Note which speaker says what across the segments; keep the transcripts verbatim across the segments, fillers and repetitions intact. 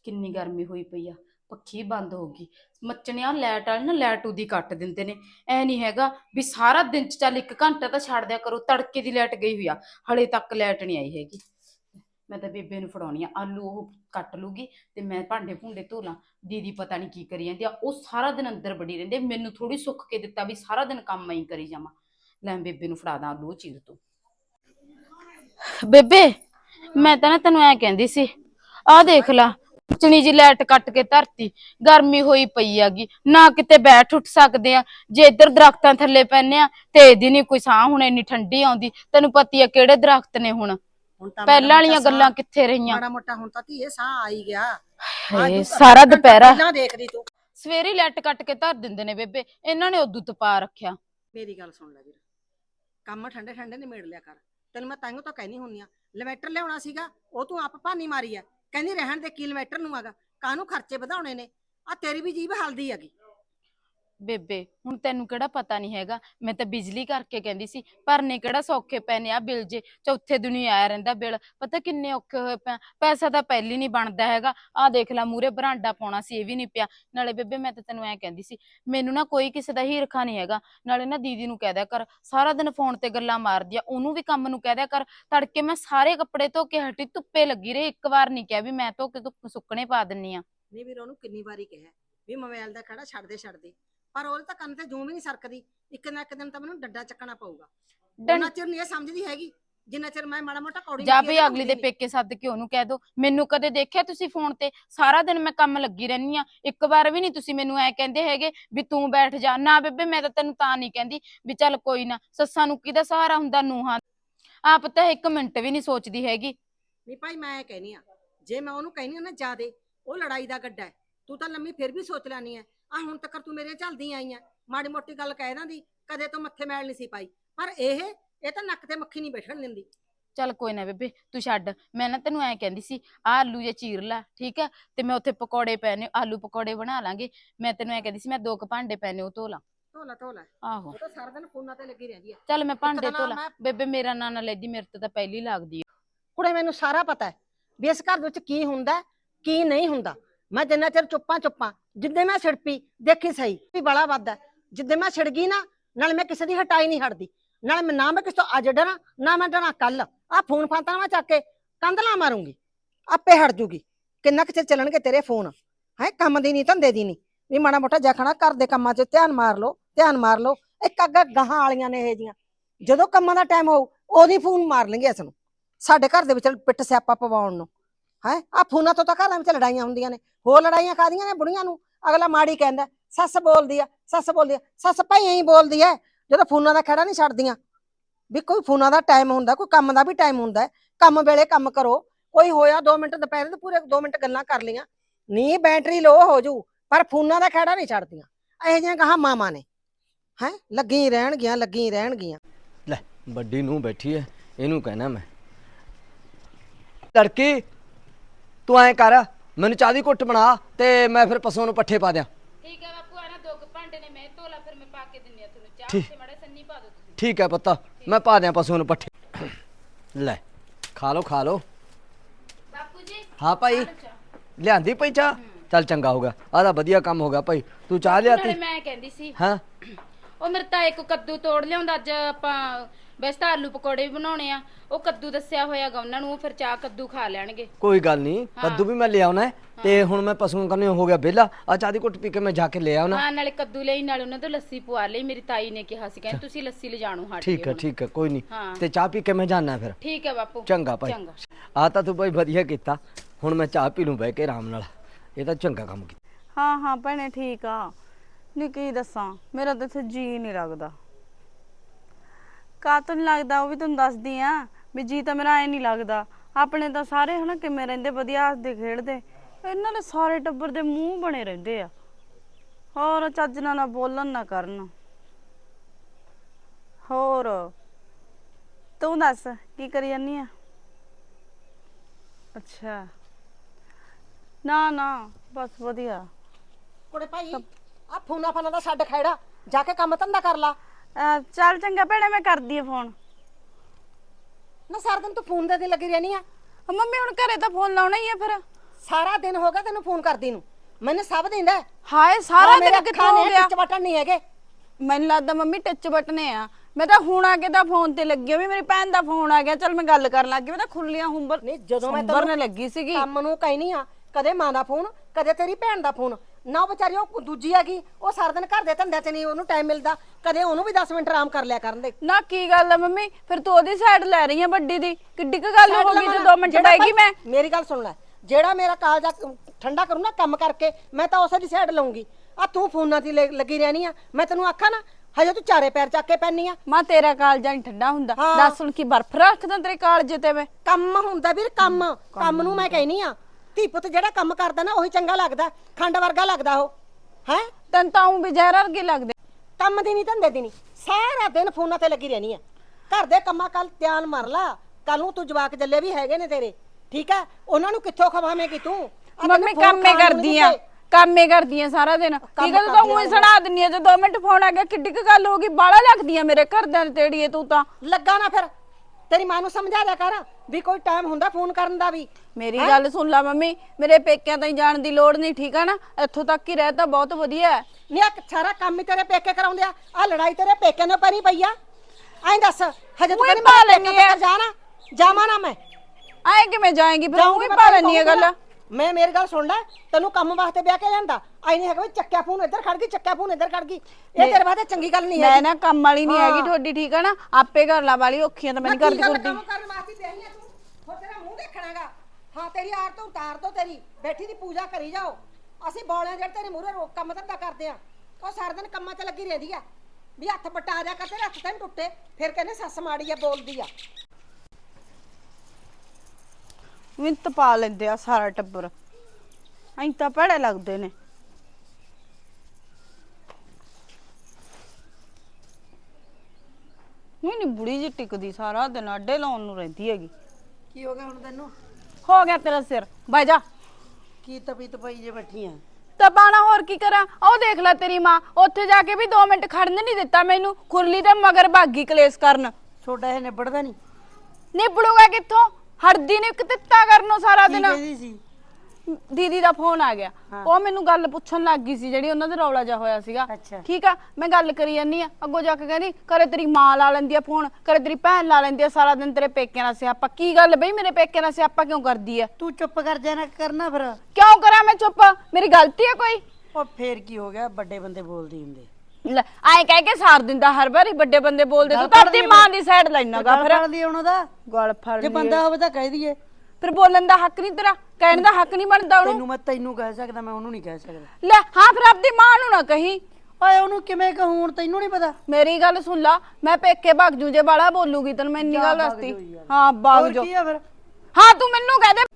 Speaker 1: ਕਿੰਨੀ ਗਰਮੀ ਹੋਈ ਪਈ ਆ। ਪੱਖੀ ਬੰਦ ਹੋ ਗਈ। ਮੱਚਣਿਆ ਲਾਈਟ ਵਾਲੇ ਨਾ ਲਾਈਟ ਉਹਦੀ ਕੱਟ ਦਿੰਦੇ ਨੇ। ਐ ਨਹੀਂ ਹੈਗਾ ਵੀ ਸਾਰਾ ਦਿਨ ਚ ਚੱਲ ਇੱਕ ਘੰਟਾ ਤਾਂ ਛੱਡ ਦਿਆ ਕਰੋ। ਤੜਕੇ ਦੀ ਲਾਈਟ ਗਈ ਹੋਈ ਆ, ਹਲੇ ਤੱਕ ਲਾਈਟ ਨਹੀਂ ਆਈ ਹੈਗੀ। ਮੈਂ ਤਾਂ ਬੇਬੇ ਨੂੰ ਫੜਾਉਣੀ ਆ, ਆਲੂ ਉਹ ਕੱਟ ਲੂਗੀ ਤੇ ਮੈਂ ਭਾਂਡੇ ਭੂੰਡੇ ਧੋ ਲਾਂ। ਦੀਦੀ ਪਤਾ ਨਹੀਂ ਕੀ ਕਰੀ ਜਾਂਦੀ ਆ, ਉਹ ਸਾਰਾ ਦਿਨ ਅੰਦਰ ਬੜੀ ਰਹਿੰਦੀ ਆ। ਮੈਨੂੰ ਥੋੜੀ ਸੁੱਖ ਕੇ ਦਿੱਤਾ ਵੀ ਸਾਰਾ ਦਿਨ ਕੰਮ ਮੈਂ ਹੀ ਕਰੀ ਜਾਵਾਂ। ਲੈ ਬੇਬੇ ਨੂੰ ਫੜਾ ਦਾਂ ਆਲੂ ਚੀਰ ਤੂੰ। ਬੇਬੇ ਮੈਂ ਤਾਂ ਨਾ ਤੈਨੂੰ ਐ ਕਹਿੰਦੀ ਸੀ, ਆਹ ਦੇਖ ਲਾ ਚਣੀ ਜੀ ਲਾਈਟ ਕੱਟ ਕੇ ਧਰਤੀ। ਗਰਮੀ ਹੋਈ ਪਈ ਹੈਗੀ, ਨਾ ਕਿਤੇ ਬੈਠ ਉੱਠ ਸਕਦੇ ਆ। ਜੇ ਇੱਧਰ ਦਰਖਤਾਂ ਥੱਲੇ ਪੈਨੇ ਆ ਤੇ ਇਹਦੀ ਨੀ ਕੋਈ ਸਾਹ, ਹੁਣ ਇੰਨੀ ਠੰਡੀ ਆਉਂਦੀ। ਤੈਨੂੰ ਪਤੀ ਆ ਕਿਹੜੇ ਦਰਖਤ ਨੇ ਹੁਣ,
Speaker 2: ਹੁਣ ਤਾਂ ਮਾੜਾ
Speaker 1: ਪਹਿਲਾਂ
Speaker 2: ਮੋਟਾ
Speaker 1: ਵਾਲੀਆਂ
Speaker 2: ਸਾਹ,
Speaker 1: ਗੱਲਾਂ ਕਿੱਥੇ ਰਹੀਆਂ।
Speaker 2: ਮਾੜਾ ਮੋਟਾ ਹੁਣ ਤਾਂ ਧੀਏ ਸਾਹ ਆ ਹੀ ਗਿਆ। ਆ
Speaker 1: ਹੇ
Speaker 2: ਤੂੰ
Speaker 1: ਸਾਰਾ
Speaker 2: ਘੰਟਾ
Speaker 1: ਦੁਪਹਿਰਾ
Speaker 2: ਪਹਿਲਾਂ ਦੇਖ ਲਈ ਤੂੰ।
Speaker 1: ਸਵੇਰੇ ਲਾਈਟ ਕੱਟ ਕੇ ਧਰ ਦਿੰਦੇ ਨੇ ਬੇਬੇ, ਇਹਨਾਂ ਨੇ ਉਦੋਂ ਤਪਾ ਰੱਖਿਆ।
Speaker 2: ਮੇਰੀ ਗੱਲ ਸੁਣ ਲੈ ਵੀਰ, ਕੰਮ ਠੰਡੇ ਠੰਡੇ ਨਿਮੇੜ ਲਿਆ ਕਰ। ਤੈਨੂੰ ਮੈਂ ਤਾਂਹੀਓ ਤਾਂ ਕਹਿਨੀ ਹੁੰਨੀ ਆ, ਇਨਵੈਟਰ ਲਿਆਉਣਾ ਸੀਗਾ ਉਹ ਤੂੰ ਆਪ ਭਾਨੀ ਮਾਰੀ ਆ। ਕਹਿੰਦੀ ਰਹਿਣ ਦੇ, ਕੀ ਇਨਵੈਟਰ ਨੂੰ ਹੈਗਾ, ਕਾਹਨੂੰ ਖਰਚੇ ਵਧਾਉਣੇ ਨੇ। ਆ ਤੇਰੀ ਵੀ ਜੀਭ ਹਲਦੀ ਹੈਗੀ।
Speaker 1: ਬੇਬੇ ਹੁਣ ਤੈਨੂੰ ਕਿਹੜਾ ਪਤਾ ਨਹੀਂ ਹੈਗਾ, ਮੈਂ ਤਾਂ ਬਿਜਲੀ ਕਰਕੇ ਕਹਿੰਦੀ ਸੀ। ਭਰਨੇ ਕਿਹੜਾ ਸੌਖੇ ਪੈ ਨੇ ਆ ਬਿੱਲ, ਜੇ ਚੌਥੇ ਦਿਨ ਹੀ ਆਇਆ ਰਹਿੰਦਾ ਬਿੱਲ। ਪਤਾ ਕਿੰਨੇ ਔਖੇ ਹੋਏ ਪਏ, ਪੈਸਾ ਤਾਂ ਪਹਿਲੀ ਨਹੀਂ ਬਣਦਾ ਹੈਗਾ। ਆਹ ਦੇਖ ਲੈ ਮੂਹਰੇ ਬਰਾਂਡਾ ਪਾਉਣਾ ਸੀ, ਇਹ ਵੀ ਨਹੀਂ ਪਿਆ। ਨਾਲੇ ਬੇਬੇ ਮੈਂ ਤਾਂ ਤੈਨੂੰ ਐ ਕਹਿੰਦੀ ਸੀ, ਮੈਨੂੰ ਨਾ ਕੋਈ ਕਿਸੇ ਦਾ ਹੀਰਖਾ ਨਹੀਂ ਹੈਗਾ। ਨਾਲੇ ਨਾ ਦੀਦੀ ਨੂੰ ਕਹਿ ਦਿਆ ਕਰ, ਸਾਰਾ ਦਿਨ ਫੋਨ ਤੇ ਗੱਲਾਂ ਮਾਰਦੀ ਆ, ਉਹਨੂੰ ਵੀ ਕੰਮ ਨੂੰ ਕਹਿ ਦਿਆ ਕਰ। ਤੜਕੇ ਮੈਂ ਸਾਰੇ ਕੱਪੜੇ ਧੋ ਕੇ ਹਟੀ, ਧੁੱਪੇ ਲੱਗੀ ਰਹੀ, ਇੱਕ ਵਾਰ ਨਹੀਂ ਕਿਹਾ ਵੀ ਮੈਂ ਧੋ ਕੇ ਧੁੱਪ ਸੁੱਕਣੇ ਪਾ ਦਿੰਨੀ ਆ।
Speaker 2: ਨਹੀਂ ਵੀਰ, ਉਹਨੂੰ ਕਿੰਨੀ ਵਾਰੀ ਕਿਹਾ ਵੀ ਮੋਬਾਈਲ ਦਾ ਖੜਾ ਛੱਡ ਦੇ ਛੱਡ ਦੇ, ਪਰ ਉਹਦੇ ਤਾਂ ਕੰਨ ਤੇ ਜੂੰ ਵੀ ਨਹੀਂ ਸਰਕਦੀ। ਇੱਕ ਨਾ ਇੱਕ ਦਿਨ ਤਾਂ ਮੈਨੂੰ ਡੱਡਾ ਚੱਕਣਾ ਪਊਗਾ। ਉਹਨਾਂ ਚਿਰ ਨਹੀਂ ਇਹ ਸਮਝਦੀ ਹੈਗੀ ਜਿੰਨਾ ਚਿਰ ਮੈਂ ਮਾੜਾ ਮੋਟਾ ਕੌੜੀ
Speaker 1: ਜਾ
Speaker 2: ਮਿੱਟੀ
Speaker 1: ਭਈ
Speaker 2: ਇਹਦੇ
Speaker 1: ਅਗਲੀ ਦੇ
Speaker 2: ਲਾਉਂਦੀ ਨੀ।
Speaker 1: ਪੇਕੇ ਸੱਦ ਕੇ ਉਹਨੂੰ ਕਹਿ ਦੋ, ਮੈਨੂੰ ਕਦੇ ਦੇਖਿਆ ਤੁਸੀਂ ਫੋਨ ਤੇ ਸਾਰਾ ਦਿਨ ਮੈਂ ਕੰਮ ਲੱਗੀ ਰਹਿੰਦੀ ਆ। ਇੱਕ ਵਾਰ ਵੀ ਨਹੀਂ ਤੁਸੀਂ ਮੈਨੂੰ ਐ ਕਹਿੰਦੇ ਹੈਗੇ ਵੀ ਤੂੰ ਬੈਠ ਜਾ। ਨਾ ਬੇਬੇ ਮੈਂ ਤਾਂ ਤੈਨੂੰ ਤਾਂ ਨਹੀਂ ਕਹਿੰਦੀ ਵੀ ਚੱਲ ਕੋਈ ਨਾ, ਸੱਸਾਂ ਨੂੰ ਕਿਹਦਾ ਸਹਾਰਾ ਹੁੰਦਾ, ਨੂੰਹਾਂ ਆਪ ਤਾਂ ਇੱਕ ਮਿੰਟ ਵੀ ਨਹੀਂ ਸੋਚਦੀ ਹੈਗੀ।
Speaker 2: ਨਹੀਂ ਭਾਈ, ਮੈਂ ਕਹਿਨੀ ਆ, ਜੇ ਮੈਂ ਉਹਨੂੰ ਕਹਿਨੀ ਆ ਨਾ ਜਿਆਦੇ, ਉਹ ਲੜਾਈ ਦਾ ਗੱਡਾ ਹੈ। ਤੂੰ ਤਾਂ ਲੰਮੀ ਫਿਰ ਵੀ ਸੋਚ ਲੈਣੀ ਹੈ। ਆ ਹੁਣ ਤੱਕ ਤੂੰ ਮੇਰੇ ਝਲਦੀ ਆਈ ਆ, ਮਾੜੀ ਮੋਟੀ ਗੱਲ ਕਹਿ ਦਿੰਦੀ, ਕਦੇ ਤੂੰ ਮੱਥੇ ਮੈਲ ਨਹੀਂ ਸੀ ਪਾਈ। ਪਰ ਇਹ ਇਹ ਤਾਂ ਨੱਕ ਤੇ ਮੱਖੀ ਨਹੀਂ ਬੈਠਣ ਦਿੰਦੀ।
Speaker 1: ਚੱਲ ਕੋਈ ਨਾ ਬੇਬੇ ਤੂੰ ਛੱਡ। ਮੈਂ ਨਾ ਤੈਨੂੰ ਐ ਕਹਿੰਦੀ ਸੀ, ਆ ਆਲੂ ਜੇ ਚੀਰ ਲੈ ਠੀਕ ਹੈ, ਤੇ ਮੈਂ ਉੱਥੇ ਪਕੌੜੇ ਪੈਨੇ, ਆਲੂ ਪਕੌੜੇ ਬਣਾ ਲਾਂਗੇ। ਮੈਂ ਤੈਨੂੰ ਐ ਕਹਿੰਦੀ ਸੀ, ਮੈਂ ਦੋ ਕੁ ਭਾਂਡੇ ਪੈਨੇ ਉਹ ਧੋ ਲਾਂ।
Speaker 2: ਧੋ ਲੈ ਧੋ ਲੈ,
Speaker 1: ਆਹੋ
Speaker 2: ਉਹ ਤਾਂ ਸਾਰਾ ਦਿਨ ਫੋਨਾਂ ਤੇ ਲੱਗੀ ਰਹਿੰਦੀ ਹੈ।
Speaker 1: ਚੱਲ ਮੈਂ
Speaker 2: ਇੱਕ
Speaker 1: ਭਾਂਡੇ
Speaker 2: ਦਿਨ
Speaker 1: ਧੋ ਲਾਂ।
Speaker 2: ਮੈਂ
Speaker 1: ਬੇਬੇ ਮੇਰਾ ਨਾਂ ਨਾ ਲੈਦੀ, ਮੇਰੇ ਤੋਂ ਤਾਂ ਪਹਿਲੀ ਲੱਗਦੀ ਆ।
Speaker 2: ਕੁੜੇ, ਮੈਨੂੰ ਸਾਰਾ ਪਤਾ ਹੈ ਵੀ ਇਸ ਘਰ ਵਿੱਚ ਕੀ ਹੁੰਦਾ ਕੀ ਨਹੀਂ ਹੁੰਦਾ। ਮੈਂ ਜਿੰਨਾ ਚਿਰ ਚੁੱਪਾਂ ਚੁੱਪਾਂ, ਜਿੱਦੇ ਮੈਂ ਛਿੜਪੀ ਦੇਖੀ ਸਹੀ ਵੀ ਬੜਾ ਵੱਧਦਾ। ਜਿੱਦੇ ਮੈਂ ਛਿੜ ਗਈ ਨਾ, ਨਾਲ ਮੈਂ ਕਿਸੇ ਦੀ ਹਟਾਈ ਨਹੀਂ ਹਟਦੀ। ਨਾਲ ਮੈਂ ਨਾ ਮੈਂ ਕਿਸੇ ਤੋਂ ਅੱਜ ਡਰਾਂ, ਨਾ ਮੈਂ ਡਰਾਂ ਕੱਲ। ਆਹ ਫੋਨ ਫਾਂਤਾ ਮੈਂ ਚੱਕ ਕੇ ਕੰਧਲਾ ਮਾਰੂੰਗੀ, ਆਪੇ ਹਟ ਜੂਗੀ। ਕਿੰਨਾ ਕੁ ਚਿਰ ਚੱਲਣਗੇ ਤੇਰੇ ਫੋਨ? ਹੈ ਕੰਮ ਦੀ ਨਹੀਂ, ਧੰਦੇ ਦੀ ਨਹੀਂ, ਵੀ ਮਾੜਾ ਮੋਟਾ ਜਖਣਾ ਘਰ ਦੇ ਕੰਮਾਂ 'ਚ ਧਿਆਨ ਮਾਰ ਲਓ, ਧਿਆਨ ਮਾਰ ਲਓ। ਇੱਕ ਅੱਗਾ ਗਾਹਾਂ ਵਾਲੀਆਂ ਨੇ ਇਹ ਜੀਆਂ, ਜਦੋਂ ਕੰਮਾਂ ਦਾ ਟਾਈਮ ਹੋਊ ਉਹਦੀ ਫੋਨ ਮਾਰ ਲੈਣਗੇ ਇਸ ਨੂੰ, ਸਾਡੇ ਘਰ ਦੇ ਵਿੱਚ ਪਿੱਟ ਸਿਆਪਾ ਪਵਾਉਣ ਨੂੰ। ਹੈ ਆ ਫੋਨਾਂ ਤੋਂ ਤਾਂ ਘਰਾਂ ਵਿੱਚ ਲੜਾਈਆਂ ਹੁੰਦੀਆਂ ਨੇ। ਹੋਰ ਲੜਾਈਆਂ ਕਾਹਦੀਆਂ ਨੇ ਬੁੜੀਆਂ ਨੂੰ? ਅਗਲਾ ਮਾੜੀ ਕਹਿੰਦਾ, ਸੱਸ ਬੋਲਦੀ ਆ, ਸੱਸ ਬੋਲਦੀ ਆ। ਸੱਸ ਭਾਈ ਐਂ ਬੋਲਦੀ ਹੈ ਜਦੋਂ ਫੋਨਾਂ ਦਾ ਖਹਿੜਾ ਨਹੀਂ ਛੱਡਦੀਆਂ। ਵੀ ਕੋਈ ਫੋਨਾਂ ਦਾ ਟਾਈਮ ਹੁੰਦਾ, ਕੋਈ ਕੰਮ ਦਾ ਵੀ ਟਾਈਮ ਹੁੰਦਾ। ਕੰਮ ਵੇਲੇ ਕੰਮ ਕਰੋ। ਕੋਈ ਹੋਇਆ ਦੋ ਮਿੰਟ ਦੁਪਹਿਰੇ ਤੇ ਪੂਰੇ ਦੋ ਮਿੰਟ ਗੱਲਾਂ ਕਰ ਲਈਆਂ, ਨਹੀਂ ਬੈਟਰੀ ਲੋ ਹੋ ਜੂ, ਪਰ ਫੋਨਾਂ ਦਾ ਖਹਿੜਾ ਨਹੀਂ ਛੱਡਦੀਆਂ। ਇਹੋ ਜਿਹੀਆਂ ਕਹਾ ਮਾਵਾਂ ਨੇ, ਹੈ ਲੱਗੀ ਰਹਿਣਗੀਆਂ ਲੱਗੀ ਰਹਿਣਗੀਆਂ।
Speaker 3: ਲੈ ਵੱਡੀ ਨੂੰ ਬੈਠੀ ਐ, ਇਹਨੂੰ ਕਹਿਣਾ ਮੈਂ, ਲੜਕੀ ਤੂੰ ਐਂ ਕਰ, ਮੈਨੂੰ ਚਾਹ ਦੀ ਘੁੱਟ ਬਣਾ ਤੇ ਮੈਂ ਫਿਰ ਪਸ਼ੂਆਂ ਨੂੰ ਪੱਠੇ ਪਾ ਦਿਆਂ।
Speaker 1: ਠੀਕ ਹੈ ਬਾਪੂ, ਆ ਨਾ ਦੋ ਕੁ ਭਾਂਡੇ ਨੇ ਮੈਂ ਧੋ ਲਾ, ਫਿਰ ਮੈਂ ਪਾ ਕੇ ਦਿੰਨੀ ਆ ਤੁਹਾਨੂੰ ਚਾਹ।
Speaker 3: ਠੀਕ।
Speaker 1: ਤੇ ਮਾੜਾ ਸੰਨੀ ਪਾ ਦਿਓ ਤੁਸੀਂ।
Speaker 3: ਠੀਕ ਹੈ ਪੁੱਤ, ਮੈਂ ਪਾ ਦਿਆਂ ਪਸ਼ੂਆਂ ਨੂੰ ਪੱਠੇ। ਲੈ ਖਾ ਲੋ ਖਾ ਲੋ।
Speaker 1: ਬਾਪੂ ਜੀ
Speaker 3: ਹਾਂ ਭਾਈ, ਲਿਆਂਦੀ ਪਈ ਚਾਹ? ਚੱਲ ਚੰਗਾ ਹੋ ਗਿਆ, ਆਹ ਤਾਂ ਵਧੀਆ ਕੰਮ ਹੋ ਗਿਆ ਭਾਈ, ਤੂੰ ਚਾਹ ਲਿਆਤੀ।
Speaker 1: ਮੈਂ ਕਹਿੰਦੀ ਸੀ,
Speaker 3: ਹਾਂ
Speaker 1: ਉਹ ਮੇਰੇ ਤਾਂ ਇੱਕ ਕੱਦੂ ਤੋੜ ਲਿਆਉਂਦਾ। ਅੱਜ ਆਪਾਂ ਵੈਸੇ ਤਾਂ ਆਲੂ ਪਕੌੜੇ ਵੀ ਬਣਾਉਣੇ ਆ, ਉਹ ਕੱਦੂ ਦੱਸਿਆ ਹੋਇਆਗਾ ਉਹਨਾਂ ਨੂੰ, ਉਹ ਫਿਰ ਚਾਹ ਕੱਦੂ ਖਾ ਲੈਣਗੇ।
Speaker 3: ਕੋਈ ਗੱਲ ਨਹੀਂ, ਕੱਦੂ ਵੀ ਮੈਂ ਲੈ ਆਉਣਾ। ਤੇ ਹੁਣ ਮੈਂ ਪਸ਼ੂਆਂ ਕਰਨੇ ਹੋ ਗਿਆ ਵਿਹਲਾ, ਆ ਚਾਹ ਦੀ ਘੁੱਟ ਪੀ ਕੇ ਮੈਂ ਜਾ ਕੇ ਲੈ ਆਉਣਾ।
Speaker 1: ਹਾਂ ਨਾਲੇ ਕੱਦੂ ਲਈ, ਨਾਲੇ ਉਹਨਾਂ ਤੋਂ ਲੱਸੀ ਪਵਾ ਲਈ। ਮੇਰੀ ਤਾਈ ਨੇ ਕਿਹਾ ਸੀ, ਕਹਿੰਦੀ ਤੁਸੀਂ ਲੱਸੀ ਲਿਜਾਣੋ ਹਟ
Speaker 3: ਠੀਕ ਹੈ ਠੀਕ ਹੈ, ਕੋਈ ਨਹੀਂ।
Speaker 1: ਹਾਂ।
Speaker 3: ਤੇ ਚਾਹ ਪੀ ਕੇ ਮੈਂ ਜਾਣਾ ਫਿਰ।
Speaker 1: ਠੀਕ ਹੈ ਬਾਪੂ।
Speaker 3: ਚੰਗਾ ਭਾਈ। ਆ ਤਾਂ ਤੂੰ ਭਾਈ ਵਧੀਆ ਕੀਤਾ, ਹੁਣ ਮੈਂ ਚਾਹ ਪੀ ਲੂੰ ਬਹਿ ਕੇ ਆਰਾਮ ਨਾਲ। ਇਹ ਤਾਂ ਚੰਗਾ ਕੰਮ ਕੀਤਾ।
Speaker 4: ਹਾਂ ਹਾਂ ਭੈਣੇ ਠੀਕ ਆ। ਨੀ ਕੀ ਦੱਸਾਂ, ਮੇਰਾ ਤਾਂ ਇੱਥੇ ਜੀ ਨਹੀਂ ਲੱਗਦਾ। ਕਾਹਤੋਂ ਨਹੀਂ ਲੱਗਦਾ ਉਹ ਵੀ ਤੁਹਾਨੂੰ ਦੱਸਦੀ ਆ ਵੀ ਜੀ ਤਾਂ ਮੇਰਾ ਐ ਨਹੀਂ ਲੱਗਦਾ। ਆਪਣੇ ਤਾਂ ਸਾਰੇ ਹਨਾ ਕਿਵੇਂ ਰਹਿੰਦੇ, ਵਧੀਆ ਹੱਸਦੇ ਖੇਡਦੇ। ਇਹਨਾਂ ਦੇ ਸਾਰੇ ਟੱਬਰ ਦੇ ਮੂੰਹ ਬਣੇ ਰਹਿੰਦੇ ਆ, ਹੋਰ ਚੱਜ ਨਾਲ ਨਾ ਬੋਲਣ ਨਾ ਕਰਨ। ਹੋਰ ਤੂੰ ਦੱਸ ਕੀ ਕਰੀ ਜਾਨੀ ਆ? ਅੱਛਾ, ਨਾ ਨਾ ਬਸ ਵਧੀਆ।
Speaker 2: ਕੁੜੇ ਭਾਈ, ਆ ਫੋਨਾ ਫਾਨਾ ਦਾ ਛੱਡ ਖੈੜਾ, ਜਾ ਕੇ ਕੰਮ ਧੰਦਾ ਕਰ ਲਾ।
Speaker 4: ਚੱਲ ਚੰਗਾ ਭੈਣੇ, ਮੈਂ ਕਰਦੀ ਆ ਫੋਨ।
Speaker 2: ਨਾ ਸਾਰਾ ਦਿਨ ਤੂੰ ਫੋਨ ਦੇ ਤੇ ਲੱਗੀ ਰਹਿਣੀ ਆ।
Speaker 4: ਮੰਮੀ ਹੁਣ ਘਰੇ ਤਾਂ ਫੋਨ ਲਾਉਣਾ ਹੀ ਆ ਫਿਰ।
Speaker 2: ਸਾਰਾ ਦਿਨ ਹੋ ਗਿਆ ਤੈਨੂੰ ਫੋਨ ਕਰਦੀ ਨੂੰ, ਮੈਨੂੰ ਸਭ ਦਿੰਦਾ ਹੈ।
Speaker 4: ਹਾਏ ਸਾਰਾ
Speaker 2: ਹਾਂ, ਮੇਰੇ
Speaker 4: ਦਿਨ ਕਿੱਥੋਂ
Speaker 2: ਅੱਖਾਂ
Speaker 4: ਹੋ
Speaker 2: ਨੇ
Speaker 4: ਗਿਆ?
Speaker 2: ਟਿਚ ਬਟਨ ਨਹੀਂ ਹੈਗੇ।
Speaker 4: ਮੈਨੂੰ ਲੱਗਦਾ ਮੰਮੀ ਟੱਚ ਬਟਨੇ ਆ। ਮੈਂ ਤਾਂ ਹੁਣ ਆ ਕੇ ਤਾਂ ਫੋਨ ਤੇ ਲੱਗੀ ਹੋਈ, ਮੇਰੀ ਭੈਣ ਦਾ ਫੋਨ ਆ ਗਿਆ, ਚੱਲ ਮੈਂ ਗੱਲ ਕਰਨ ਲੱਗ ਗਈ। ਮੈਂ ਤਾਂ ਖੁੱਲੀਆਂ ਹੁੰਬਰ
Speaker 2: ਨਹੀਂ ਜਦੋਂ ਮੈਂ
Speaker 4: ਸੰਭਰਨ ਲੱਗੀ ਸੀਗੀ।
Speaker 2: ਕੰਮ ਨੂੰ ਕਹਿਨੀ ਆ, ਕਦੇ ਮਾਂ ਦਾ ਫੋਨ, ਕਦੇ ਤੇਰੀ ਭੈਣ ਦਾ ਫੋਨ। ਨਾ ਉਹ ਵਿਚਾਰੀ ਉਹ ਦੂਜੀ ਹੈਗੀ, ਉਹ ਸਾਰਾ ਦਿਨ ਘਰ ਦੇ ਧੰਦਿਆਂ 'ਚ ਨਹੀਂ ਉਹਨੂੰ ਟਾਈਮ ਮਿਲਦਾ, ਕਦੇ ਉਹਨੂੰ ਵੀ ਦਸ ਮਿੰਟ ਆਰਾਮ ਕਰ ਲਿਆ ਕਰਨ ਦੇ।
Speaker 4: ਨਾ ਕੀ ਗੱਲ ਆ ਮੰਮੀ, ਫਿਰ ਤੂੰ ਉਹਦੀ ਸਾਈਡ ਲੈ ਰਹੀ ਆ ਵੱਡੀ ਦੀ? ਕਿੱਡੀ ਕੁ ਗੱਲ ਹੋ ਗਈ ਜੇ
Speaker 2: ਜਿਹੜਾ
Speaker 4: ਦੋ ਮਿੰਟ ਬੈਗੀ ਮੈਂ?
Speaker 2: ਮੇਰੀ ਗੱਲ ਸੁਣ ਲੈ, ਜਿਹੜਾ ਮੇਰਾ ਕਾਲਜਾ ਠੰਡਾ ਕਰੂ ਨਾ ਕੰਮ ਕਰਕੇ, ਮੈਂ ਤਾਂ ਉਸੇ ਦੀ ਸਾਈਡ ਲਊਂਗੀ। ਆ ਤੂੰ ਫੋਨਾਂ ਤੇ ਲੱਗੀ ਰਹਿਣੀ ਆ, ਮੈਂ ਤੈਨੂੰ ਆਖਾਂ ਨਾ ਹਜੇ ਤੂੰ ਚਾਰੇ ਪੈਰ ਚੱਕ ਕੇ ਪੈਣੀ ਆ।
Speaker 4: ਮਾਂ ਤੇਰਾ ਕਾਲਜਾ ਨਹੀਂ ਠੰਡਾ ਹੁੰਦਾ।
Speaker 2: ਹਾਂ।
Speaker 4: ਦੱਸ ਹੁਣ ਕੀ ਬਰਫ਼ ਰੱਖਦਾ ਤੇਰੇ ਕਾਲਜੇ ਤੇ ਮੈਂ?
Speaker 2: ਕੰਮ ਹੁੰਦਾ ਵੀਰ, ਕੰਮ ਕੰਮ ਨੂੰ ਮੈਂ ਕਹਿਨੀ ਆ, ਧੀ ਪੁੱਤ ਜਿਹੜਾ ਕੰਮ ਕਰਦਾ ਨਾ ਉਹੀ ਚੰਗਾ ਲੱਗਦਾ, ਖੰਡ ਵਰਗਾ ਲੱਗਦਾ ਉਹ ਹੈ।
Speaker 4: ਤੈਨੂੰ ਤਾਂ ਉਹ ਵੀ ਜ਼ਹਿਰ ਵਰਗੇ ਲੱਗਦੇ।
Speaker 2: ਕੰਮ ਦੀ ਨਹੀਂ ਧੰਦੇ ਦੀ ਨਹੀਂ, ਸਾਰਾ ਦਿਨ ਫੋਨਾਂ ਤੇ ਲੱਗੀ ਰਹਿਣੀ ਆ। ਘਰ ਦੇ ਕੰਮਾਂ ਕੱਲ ਧਿਆਨ ਮਾਰ ਲਾ, ਕੱਲ ਨੂੰ ਤੂੰ ਜਵਾਕ ਜੱਲੇ ਵੀ ਹੈਗੇ ਨੇ ਤੇਰੇ, ਠੀਕ ਹੈ? ਉਹਨਾਂ ਨੂੰ ਕਿੱਥੋਂ ਖਵਾਵੇਂਗੀ ਤੂੰ? ਆਹ ਤੈਨੂੰ
Speaker 4: ਮੰਮੀ
Speaker 2: ਫੋਨ
Speaker 4: ਕੰਮੇ
Speaker 2: ਖਾਣ ਨੂੰ
Speaker 4: ਕਰਦੀ
Speaker 2: ਨਹੀਂ
Speaker 4: ਆ,
Speaker 2: ਦਿੱਤੇ।
Speaker 4: ਕੰਮੇ ਕਰਦੀ ਆ ਸਾਰਾ ਦਿਨ। ਕੀ ਗੱਲ ਤੂੰ ਉਹੀ ਸੁਣਾ ਦਿੰਨੀ ਆ, ਜੇ ਦੋ ਮਿੰਟ ਫੋਨ ਆ ਗਿਆ ਕਿੱਡੀ ਕੁ ਗੱਲ ਹੋ ਗਈ? ਬਾਲਾ ਲੱਗਦੀ ਆ ਮੇਰੇ ਘਰਦਿਆਂ ਦੀ ਤੇੜੀਏ ਤੂੰ ਤਾਂ।
Speaker 2: ਲੱਗਾ ਨਾ ਫਿਰ ਤੇਰੀ ਮਾਂ ਨੂੰ ਸਮਝਾ ਦਿਆ ਕਰ ਵੀ ਕੋਈ ਟਾਈਮ ਹੁੰਦਾ ਫੋਨ ਕਰਨ ਦਾ ਵੀ।
Speaker 4: ਮੇਰੀ ਗੱਲ ਸੁਣ ਲੈ ਮੰਮੀ, ਮੇਰੇ ਪੇਕਿਆਂ ਤਾਈਂ ਜਾਣ ਦੀ ਲੋੜ ਨਹੀਂ, ਠੀਕ ਆ ਨਾ? ਇੱਥੋਂ ਤੱਕ ਹੀ ਰਹਿ ਤਾਂ ਬਹੁਤ ਵਧੀਆ ਹੈ।
Speaker 2: ਨਹੀਂ ਆ ਸਾਰਾ ਕੰਮ ਹੀ ਤੇਰੇ ਪੇਕੇ ਕਰਾਉਂਦੇ ਆ, ਆ ਲੜਾਈ ਤੇਰੇ ਪੇਕਿਆਂ ਨੇ ਪੈਣੀ ਪਈ ਆ। ਐਂ ਦੱਸ ਹਜੇ ਤੂੰ
Speaker 4: ਊਂ ਹੀ
Speaker 2: ਕਹਿੰਦੀ
Speaker 4: ਪਾ
Speaker 2: ਮੈਂ
Speaker 4: ਲੈਨੀ
Speaker 2: ਪੇਕੇ
Speaker 4: ਆ।
Speaker 2: ਤੱਕ ਜਾਣਾ, ਜਾਵਾਂ ਨਾ ਮੈਂ?
Speaker 4: ਆਏ ਕਿਵੇਂ ਜਾਏਂਗੀ ਫਿਰ? ਉਹ ਵੀ
Speaker 2: ਮੈਂ
Speaker 4: ਪਾ
Speaker 2: ਤੈਨੂੰ
Speaker 4: ਲੈਣੀ ਆ ਗੱਲ।
Speaker 2: ਕਹੂੰਗੀ ਨਾ, ਮੈਂ ਮੇਰੀ ਗੱਲ ਸੁਣ ਲੈ, ਤੈਨੂੰ ਕੰਮ ਵਾਸਤੇ ਵਿਆਹ ਕੇ ਜਾਂਦਾ ਆਈ ਨਹੀਂ ਹੈਗਾ ਵੀ ਚੱਕਿਆ ਫੋਨ ਇੱਧਰ ਖੜ ਗਈ, ਚੱਕਿਆ ਫੋਨ ਇੱਧਰ ਖੜ ਗਈ। ਇਹ ਤੇਰੇ ਵਾਸਤੇ ਚੰਗੀ ਗੱਲ ਨਹੀਂ ਹੈਗੀ।
Speaker 4: ਮੈਂ ਨਾ ਕੰਮ ਵਾਲੀ ਨਹੀਂ ਹੈਗੀ ਤੁਹਾਡੀ, ਠੀਕ ਆ ਨਾ? ਆਪੇ ਘਰ ਲਾ ਵਾਲੀ ਔਖੀਆਂ ਤਾਂ ਮੈਂ ਨਹੀਂ ਕਰਦੀ
Speaker 2: ਕਰਦੀ
Speaker 4: ਕੁਰਦੀ।
Speaker 2: ਕੰਮ ਕਰਨ ਵਾਸਤੇ ਵਿਆਹੀ ਆ ਤੂੰ, ਹੋਰ ਤੇਰਾ ਮੂੰਹ ਦੇਖਣਾਗਾ। ਹਾਂ ਤੇਰੀ ਆਰ ਤੋਂ ਉਤਾਰ ਦੋ, ਤੇਰੀ ਬੈਠੀ ਦੀ ਪੂਜਾ ਕਰੀ ਜਾਓ। ਅਸੀਂ ਬੋਲਿਆਂ ਜਿਹੜੇ ਤੇਰੇ ਮੂਹਰੇ ਰੋਕ ਕੰਮ ਧੰਦਾ ਕਰਦੇ ਆ, ਉਹ ਸਾਰਾ ਦਿਨ ਕੰਮਾਂ 'ਚ ਲੱਗੀ ਰਹਿੰਦੀ ਆ ਵੀ ਹੱਥ ਬਟਾ ਦਿਆ ਕਰ, ਤੇਰੇ ਹੱਥ ਤਾਂ ਨੀ ਟੁੱਟੇ, ਫਿਰ ਕਹਿੰਦੇ ਸੱਸ ਮਾੜੀ ਆ ਬੋਲਦੀ ਆ।
Speaker 4: ਮਿੰਤ ਪਾ ਲੈਂਦੇ ਆ ਸਾਰਾ ਟੱਬਰ, ਐਂ ਤਾਂ ਭੜੇ ਲੱਗਦੇ ਨੇ। ਨਹੀਂ ਨਹੀਂ ਬੁੜੀ ਜੀ ਟਿਕਦੀ ਸਾਰਾ ਦਿਨ ਆਡੇ ਲਾਉਣ ਨੂੰ ਰਹਿੰਦੀ ਹੈਗੀ।
Speaker 2: ਕੀ ਹੋ ਗਿਆ ਹੁਣ ਤੈਨੂੰ?
Speaker 4: ਹੋ ਗਿਆ ਤੇਰਾ ਸਿਰ, ਬਹਿ ਜਾ।
Speaker 2: ਕੀ ਤਪੀਤ ਪਈ ਜੇ ਬੈਠੀ ਆ?
Speaker 4: ਤਬਾਣਾ ਹੋਰ ਕੀ ਕਰਾਂ? ਉਹ ਦੇਖ ਲੈ ਤੇਰੀ ਮਾਂ ਉੱਥੇ ਜਾ ਕੇ ਵੀ ਦੋ ਮਿੰਟ ਖੜਨ ਨਹੀਂ ਦਿੱਤਾ ਮੈਨੂੰ, ਖੁਰਲੀ ਤੇ ਮਗਰ ਭਾਗੀ ਕਲੇਸ਼ ਕਰਨ।
Speaker 2: ਛੋਟਾ ਇਹ ਨਿਬੜਦਾ ਨਹੀਂ।
Speaker 4: ਨਿਬੜੂਗਾ ਕਿੱਥੋਂ? ਹੜਦੀ ਨੇ ਕਿੱਤਾ ਕਰਨੋਂ ਸਾਰਾ ਦਿਨ।
Speaker 2: ਕਹਿੰਦੀ ਸੀ
Speaker 4: ਦੀਦੀ ਦਾ ਫੋਨ ਆ ਗਿਆ, ਉਹ ਮੈਨੂੰ ਗੱਲ ਪੁੱਛਣ ਲੱਗ ਗਈ ਸੀ ਜਿਹੜੀ ਉਹਨਾਂ ਦੇ ਰੌਲਾ ਜਾ ਹੋਇਆ ਸੀਗਾ। ਠੀਕ ਆ, ਮੈਂ ਗੱਲ ਕਰੀ ਜਾਨੀ ਆ, ਅੱਗੋਂ ਜਾ ਕੇ ਕਹਿੰਦੀ ਕਰੇ ਤੇਰੀ ਮਾਂ ਲਾ ਲੈਂਦੀ ਆ ਫੋਨ, ਕਰੇ ਤੇਰੀ ਭੈਣ ਲਾ ਲੈਂਦੀ ਆ, ਸਾਰਾ ਦਿਨ ਤੇਰੇ ਪੇਕਿਆਂ ਨਾਲ ਸਿਆਪਾ। ਕੀ ਗੱਲ ਬਈ, ਮੇਰੇ ਪੇਕਿਆਂ ਨਾਲ ਸਿਆਪਾ ਕਿਉਂ ਕਰਦੀ ਆ?
Speaker 2: ਤੂੰ ਚੁੱਪ ਕਰ ਜਾਣਾ ਕਰਨਾ ਫਿਰ।
Speaker 4: ਕਿਉਂ ਕਰਾਂ ਮੈਂ ਚੁੱਪ? ਮੇਰੀ ਗਲਤੀ ਆ ਕੋਈ?
Speaker 2: ਉਹ ਫੇਰ ਕੀ ਹੋ ਗਿਆ, ਵੱਡੇ ਬੰਦੇ ਬੋਲਦੇ ਹੁੰਦੇ।
Speaker 4: ਲੈ ਆਏ ਕਹਿ ਕੇ ਸਾਰ ਦਿੰਦਾ ਹਰ ਵਾਰੀ ਵੱਡੇ ਬੰਦੇ ਬੋਲਦੇ, ਤੂੰ ਤਾਂ ਆਪਣੀ ਮਾਂ ਦੀ ਸਾਈਡ ਲੈਣਾਗਾ ਫਿਰ।
Speaker 2: ਫੜ ਲਈ ਉਹਨਾਂ ਦਾ
Speaker 4: ਗਲ ਫੜ ਲਈ।
Speaker 2: ਜੇ ਬੰਦਾ ਹੋਵੇ ਤਾਂ ਕਹਿ ਦਈਏ।
Speaker 4: ਫਿਰ ਬੋਲਣ ਦਾ ਹੱਕ ਨਹੀਂ ਤੇਰਾ, ਕਹਿਣ ਦਾ ਹੱਕ ਨਹੀਂ ਬਣਦਾ ਉਹਨੂੰ?
Speaker 2: ਤੈਨੂੰ ਮੈਂ ਤੈਨੂੰ ਕਹਿ ਸਕਦਾ, ਮੈਂ ਉਹਨੂੰ ਨਹੀਂ ਕਹਿ ਸਕਦਾ।
Speaker 4: ਲੈ ਹਾਂ ਫਿਰ ਆਪਣੀ ਮਾਂ ਨੂੰ ਨਾ ਕਹੀਂ।
Speaker 2: ਓਏ ਉਹਨੂੰ ਕਿਵੇਂ ਕਹੂੰ, ਹੁਣ ਤੈਨੂੰ ਨਹੀਂ ਪਤਾ?
Speaker 4: ਮੇਰੀ ਗੱਲ ਸੁਣ ਲਾ, ਮੈਂ ਪੇਕੇ ਭੱਗ ਜੂ ਜੇ ਬਾਲਾ ਬੋਲੂਗੀ ਤੈਨੂੰ ਮੈਂ ਇੰਨੀ ਗੱਲ ਦੱਸਤੀ। ਹਾਂ ਭੱਗ
Speaker 2: ਹੋਰ
Speaker 4: ਜਾ।
Speaker 2: ਕੀ ਆ ਫਿਰ?
Speaker 4: ਹਾਂ ਤੂੰ ਮੈਨੂੰ ਕਹਿ ਦੇ।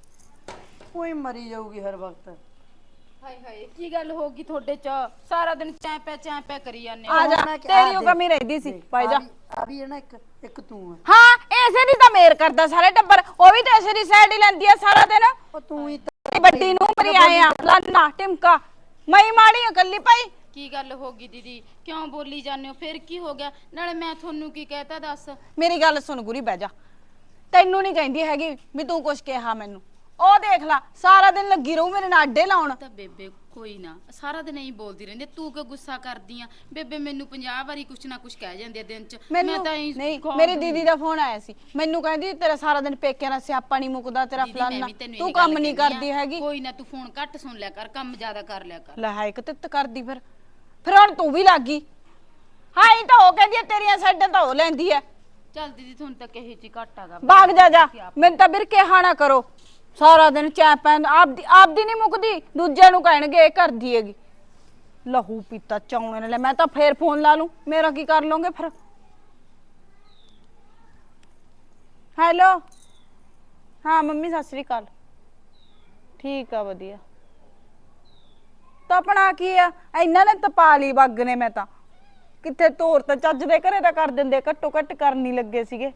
Speaker 2: ਕੋਈ ਮਰੀ ਜਾਊਗੀ ਹਰ ਵਕਤ।
Speaker 1: ਹਾਏ ਹਾਏ ਕੀ ਗੱਲ ਹੋ ਗਈ ਤੁਹਾਡੇ ਚ? ਸਾਰਾ ਦਿਨ ਚੈਂ ਪੈ ਚੈਂ ਪੈ ਕਰੀ ਜਾਂਦੇ
Speaker 4: ਆ ਜਾ, ਤੇਰੀ ਉਹ ਕਮੀ ਰਹਿੰਦੀ ਸੀ, ਪਾਈ ਜਾ।
Speaker 2: ਆ ਵੀ ਹੈ ਨਾ ਇੱਕ ਇੱਕ ਤੂੰ ਆ।
Speaker 4: ਹਾਂ ਐਸੇ ਦੀ ਤਾਂ ਮੇਰ ਕਰਦਾ ਸਾਰੇ ਟੱਬਰ, ਉਹ ਵੀ ਤਾਂ ਐਸੇ ਦੀ ਸਾਈਡ ਹੀ ਲੈਂਦੀ ਆ ਸਾਰਾ ਦਿਨ।
Speaker 2: ਉਹ ਤੂੰ ਹੀ
Speaker 4: ਵੱਡੀ ਨੂੰ ਮਰੀ ਆਏ ਆ ਲਾਨਾ ਟਿਮਕਾ, ਮੈਂ ਮਾੜੀ ਆ ਕੱਲੀ ਭਾਈ।
Speaker 1: ਕੀ ਗੱਲ ਹੋ ਗਈ ਦੀਦੀ, ਕਿਉਂ ਬੋਲੀ ਜਾਂਦੇ ਹੋ? ਫਿਰ ਕੀ ਹੋ ਗਿਆ? ਨਾਲੇ ਮੈਂ ਤੁਹਾਨੂੰ ਕੀ ਕਹਿਤਾ ਦੱਸ?
Speaker 4: ਮੇਰੀ ਗੱਲ ਸੁਣ ਗੁਰੀ, ਬਹਿ ਜਾ। ਤੈਨੂੰ ਨਹੀਂ ਕਹਿੰਦੀ ਹੈਗੀ ਵੀ ਤੂੰ ਕੁਛ ਕਿਹਾ ਮੈਨੂੰ। ਉਹ ਦੇਖ ਲੈ ਸਾਰਾ ਦਿਨ ਲੱਗੀ ਰਹੂ ਮੇਰੇ ਨਾਲ ਆਡੇ ਲਾਉਣ।
Speaker 1: ਤਾਂ ਬੇਬੇ ਕੋਈ ਨਾ, ਸਾਰਾ ਦਿਨ ਐਂ ਬੋਲਦੀ ਰਹਿੰਦੀ, ਤੂੰ ਕਿਉਂ ਗੁੱਸਾ ਕਰਦੀ ਆ? ਬੇਬੇ ਮੈਨੂੰ ਪੰਜਾਹ ਵਾਰੀ ਕੁਛ ਨਾ ਕੁਛ ਕਹਿ ਜਾਂਦੇ ਆ ਦਿਨ ਚ। ਮੈਂ
Speaker 4: ਮੈਨੂੰ
Speaker 1: ਤਾਂ ਐਂ
Speaker 4: ਨਹੀਂ,
Speaker 1: ਕੌਣ
Speaker 4: ਮੇਰੀ
Speaker 1: ਦੂੰ?
Speaker 4: ਦੀਦੀ ਦਾ ਫੋਨ ਆਇਆ ਸੀ, ਮੈਨੂੰ ਕਹਿੰਦੀ ਤੇਰਾ ਸਾਰਾ ਦਿਨ ਪੇਕਿਆਂ ਨਾਲ ਸਿਆਪਾ ਨਹੀਂ ਮੁੱਕਦਾ, ਤੇਰਾ
Speaker 1: ਦੀਦੀ, ਮੈਂ
Speaker 4: ਫਲਾਨਾ,
Speaker 1: ਵੀ ਤੈਨੂੰ
Speaker 4: ਤੂੰ
Speaker 1: ਇਹ ਗੱਲ
Speaker 4: ਕੰਮ ਨਹੀਂ
Speaker 1: ਕਹਿੰਦੀ
Speaker 4: ਕਰਦੀ
Speaker 1: ਆ,
Speaker 4: ਹੈਗੀ।
Speaker 1: ਕੋਈ ਨਾ ਤੂੰ ਫੋਨ ਘੱਟ ਸੁਣ ਲਿਆ ਕਰ, ਕੰਮ ਜ਼ਿਆਦਾ ਕਰ ਲਿਆ ਕਰ।
Speaker 4: ਲੈ ਹਾਇਕ ਤਿੱਤ ਕਰਦੀ ਫਿਰ ਫਿਰ ਹੁਣ ਤੂੰ ਵੀ ਲੱਗ ਗਈ। ਹਾਂ ਇਹ ਤਾਂ ਉਹ ਕਹਿੰਦੀ ਆ, ਤੇਰੀਆਂ ਸਾਈਡਾਂ ਤਾਂ ਉਹ ਲੈਂਦੀ ਐ।
Speaker 1: ਚੱਲ ਦੀਦੀ ਤੁਹਾਨੂੰ ਤਾਂ ਕਹੇ ਜੀ ਘੱਟ ਆਗਾ।
Speaker 4: ਭਾਗ ਜਾ ਜਾ, ਮੈਨੂੰ ਤਾਂ ਵੀਰ ਕਿਹਾ ਨਾ ਕਰੋ। ਸਾਰਾ ਦਿਨ ਚਾਹ ਪੈਂ ਆਪਦੀ ਆਪਦੀ ਨਹੀਂ ਮੁੱਕਦੀ, ਦੂਜਿਆਂ ਨੂੰ ਕਹਿਣਗੇ ਇਹ ਕਰਦੀ ਹੈਗੀ। ਲਹੂ ਪੀਤਾ ਚਾਉਣੇ ਨੇ। ਮੈਂ ਤਾਂ ਫੇਰ ਫੋਨ ਲਾ ਲੂੰ, ਮੇਰਾ ਕੀ ਕਰ ਲਓਗੇ ਫਿਰ? ਹੈਲੋ ਹਾਂ ਮੰਮੀ ਸਤਿ ਸ੍ਰੀ ਅਕਾਲ। ਠੀਕ ਆ ਵਧੀਆ। ਤਾਂ ਆਪਣਾ ਕੀ ਆ, ਇਹਨਾਂ ਨੇ ਤਪਾ ਲਈ ਬੱਗ ਨੇ। ਮੈਂ ਤਾਂ ਕਿੱਥੇ ਤੋਰ ਤਾਂ ਚੱਜ ਦੇ ਘਰੇ ਤਾਂ ਕਰ ਦਿੰਦੇ, ਘੱਟੋ ਘੱਟ ਕਰਨ ਨਹੀਂ ਲੱਗੇ ਸੀਗੇ।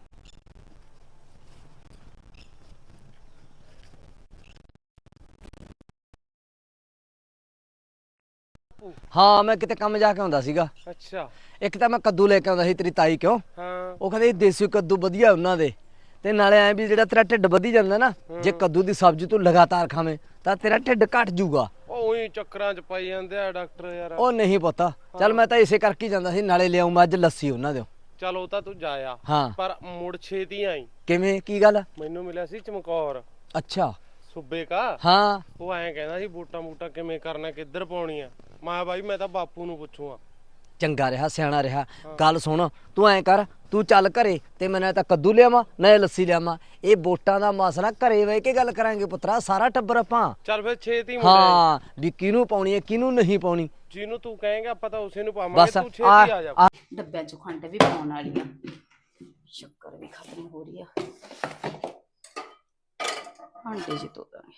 Speaker 3: ਹਾਂ ਮੈਂ ਕਿਤੇ ਕੰਮ ਜਾ ਕੇ ਆਉਂਦਾ ਸੀਗਾ।
Speaker 5: ਅੱਛਾ।
Speaker 3: ਇੱਕ ਤਾਂ ਮੈਂ ਕੱਦੂ ਲੈ ਕੇ ਆਉਂਦਾ ਸੀ ਤੇਰੀ ਤਾਈ ਕਿਉਂ,
Speaker 5: ਹਾਂ
Speaker 3: ਉਹ ਕਹਿੰਦੇ ਦੇਸੀ ਕੱਦੂ ਵਧੀਆ ਉਹਨਾਂ ਦੇ, ਤੇ ਨਾਲੇ ਐ ਵੀ ਜਿਹੜਾ ਤੇਰਾ ਢਿੱਡ ਵਧੀ ਜਾਂਦਾ ਨਾ, ਜੇ ਕੱਦੂ ਦੀ ਸਬਜ਼ੀ ਤੂੰ ਲਗਾਤਾਰ ਖਾਵੇਂ ਤਾਂ ਤੇਰਾ ਢਿੱਡ ਘਟ ਜਾਊਗਾ।
Speaker 5: ਉਹ ਉਹੀ ਚੱਕਰਾਂ 'ਚ ਪਾਈ ਜਾਂਦੇ ਆ ਡਾਕਟਰ ਯਾਰ।
Speaker 3: ਉਹ ਨਹੀਂ ਪਤਾ, ਚੱਲ ਮੈਂ ਤਾਂ ਇਸੇ ਕਰਕੇ ਹੀ ਜਾਂਦਾ ਸੀ, ਨਾਲੇ ਲਿਆਉਂ ਮੈਂ ਅੱਜ ਲੱਸੀ ਉਹਨਾਂ ਦਿਓ।
Speaker 5: ਚਲ ਉਹ ਤਾਂ ਤੂੰ ਜਾਇਆ,
Speaker 3: ਹਾਂ
Speaker 5: ਪਰ ਮੁੜ ਛੇਤੀ ਆਈ।
Speaker 3: ਕਿਵੇਂ, ਕੀ ਗੱਲ?
Speaker 5: ਮੈਨੂੰ ਮਿਲਿਆ ਸੀ ਚਮਕੌਰ
Speaker 3: ਅੱਛਾ
Speaker 5: ਸੂਬੇ ਕਾ।
Speaker 3: ਹਾਂ
Speaker 5: ਉਹ ਐਂ ਕਹਿੰਦਾ ਸੀ ਵੋਟਾਂ ਵੋਟਾਂ ਕਿਵੇਂ ਕਰਨਾ, ਕਿੱਧਰ ਪਾਉਣੀ ਆ। ਮੈਂ ਬਾਈ ਮੈਂ ਤਾਂ ਬਾਪੂ ਨੂੰ ਪੁੱਛੂਗਾ।
Speaker 3: ਚੰਗਾ ਰਿਹਾ, ਸਿਆਣਾ ਰਿਹਾ। ਗੱਲ ਸੁਣ, ਤੂੰ ਐਂ ਕਰ, ਤੂੰ ਚੱਲ ਘਰੇ ਤੇ ਮੈਂ ਨਾ ਤਾਂ ਕੱਦੂ ਲਿਆਵਾਂ ਨਾ ਲੱਸੀ ਲਿਆਵਾਂ। ਇਹ ਵੋਟਾਂ ਦਾ ਮਸਲਾ ਘਰੇ ਬਹਿ ਕੇ ਗੱਲ ਕਰਾਂਗੇ ਪੁੱਤਰਾ, ਸਾਰਾ ਟੱਬਰ ਆਪਾਂ।
Speaker 5: ਚੱਲ ਫਿਰ ਛੇਤੀ ਮੁੜ ਆਈ।
Speaker 3: ਹਾਂ ਵੀ ਕਿਹਨੂੰ ਪਾਉਣੀ ਹੈ ਕਿਹਨੂੰ ਨਹੀਂ ਪਾਉਣੀ।
Speaker 5: ਜਿਹਨੂੰ ਤੂੰ ਕਹੇਂਗਾ ਆਪਾਂ ਤਾਂ ਉਸੇ ਨੂੰ ਪਾਵਾਂਗੇ।
Speaker 3: ਬਸ
Speaker 5: ਤੂੰ ਛੇਤੀ ਆ ਜਾ।
Speaker 3: ਆ
Speaker 1: ਡੱਬਿਆਂ 'ਚ ਖੰਡ ਵੀ ਪਾਉਣ ਵਾਲੀ ਆ, ਸ਼ੱਕਰ ਵੀ ਖਤਮ ਹੋ ਰਹੀ ਆ, ਭਾਂਡੇ 'ਚ ਧੋ ਦਾਂਗੇ।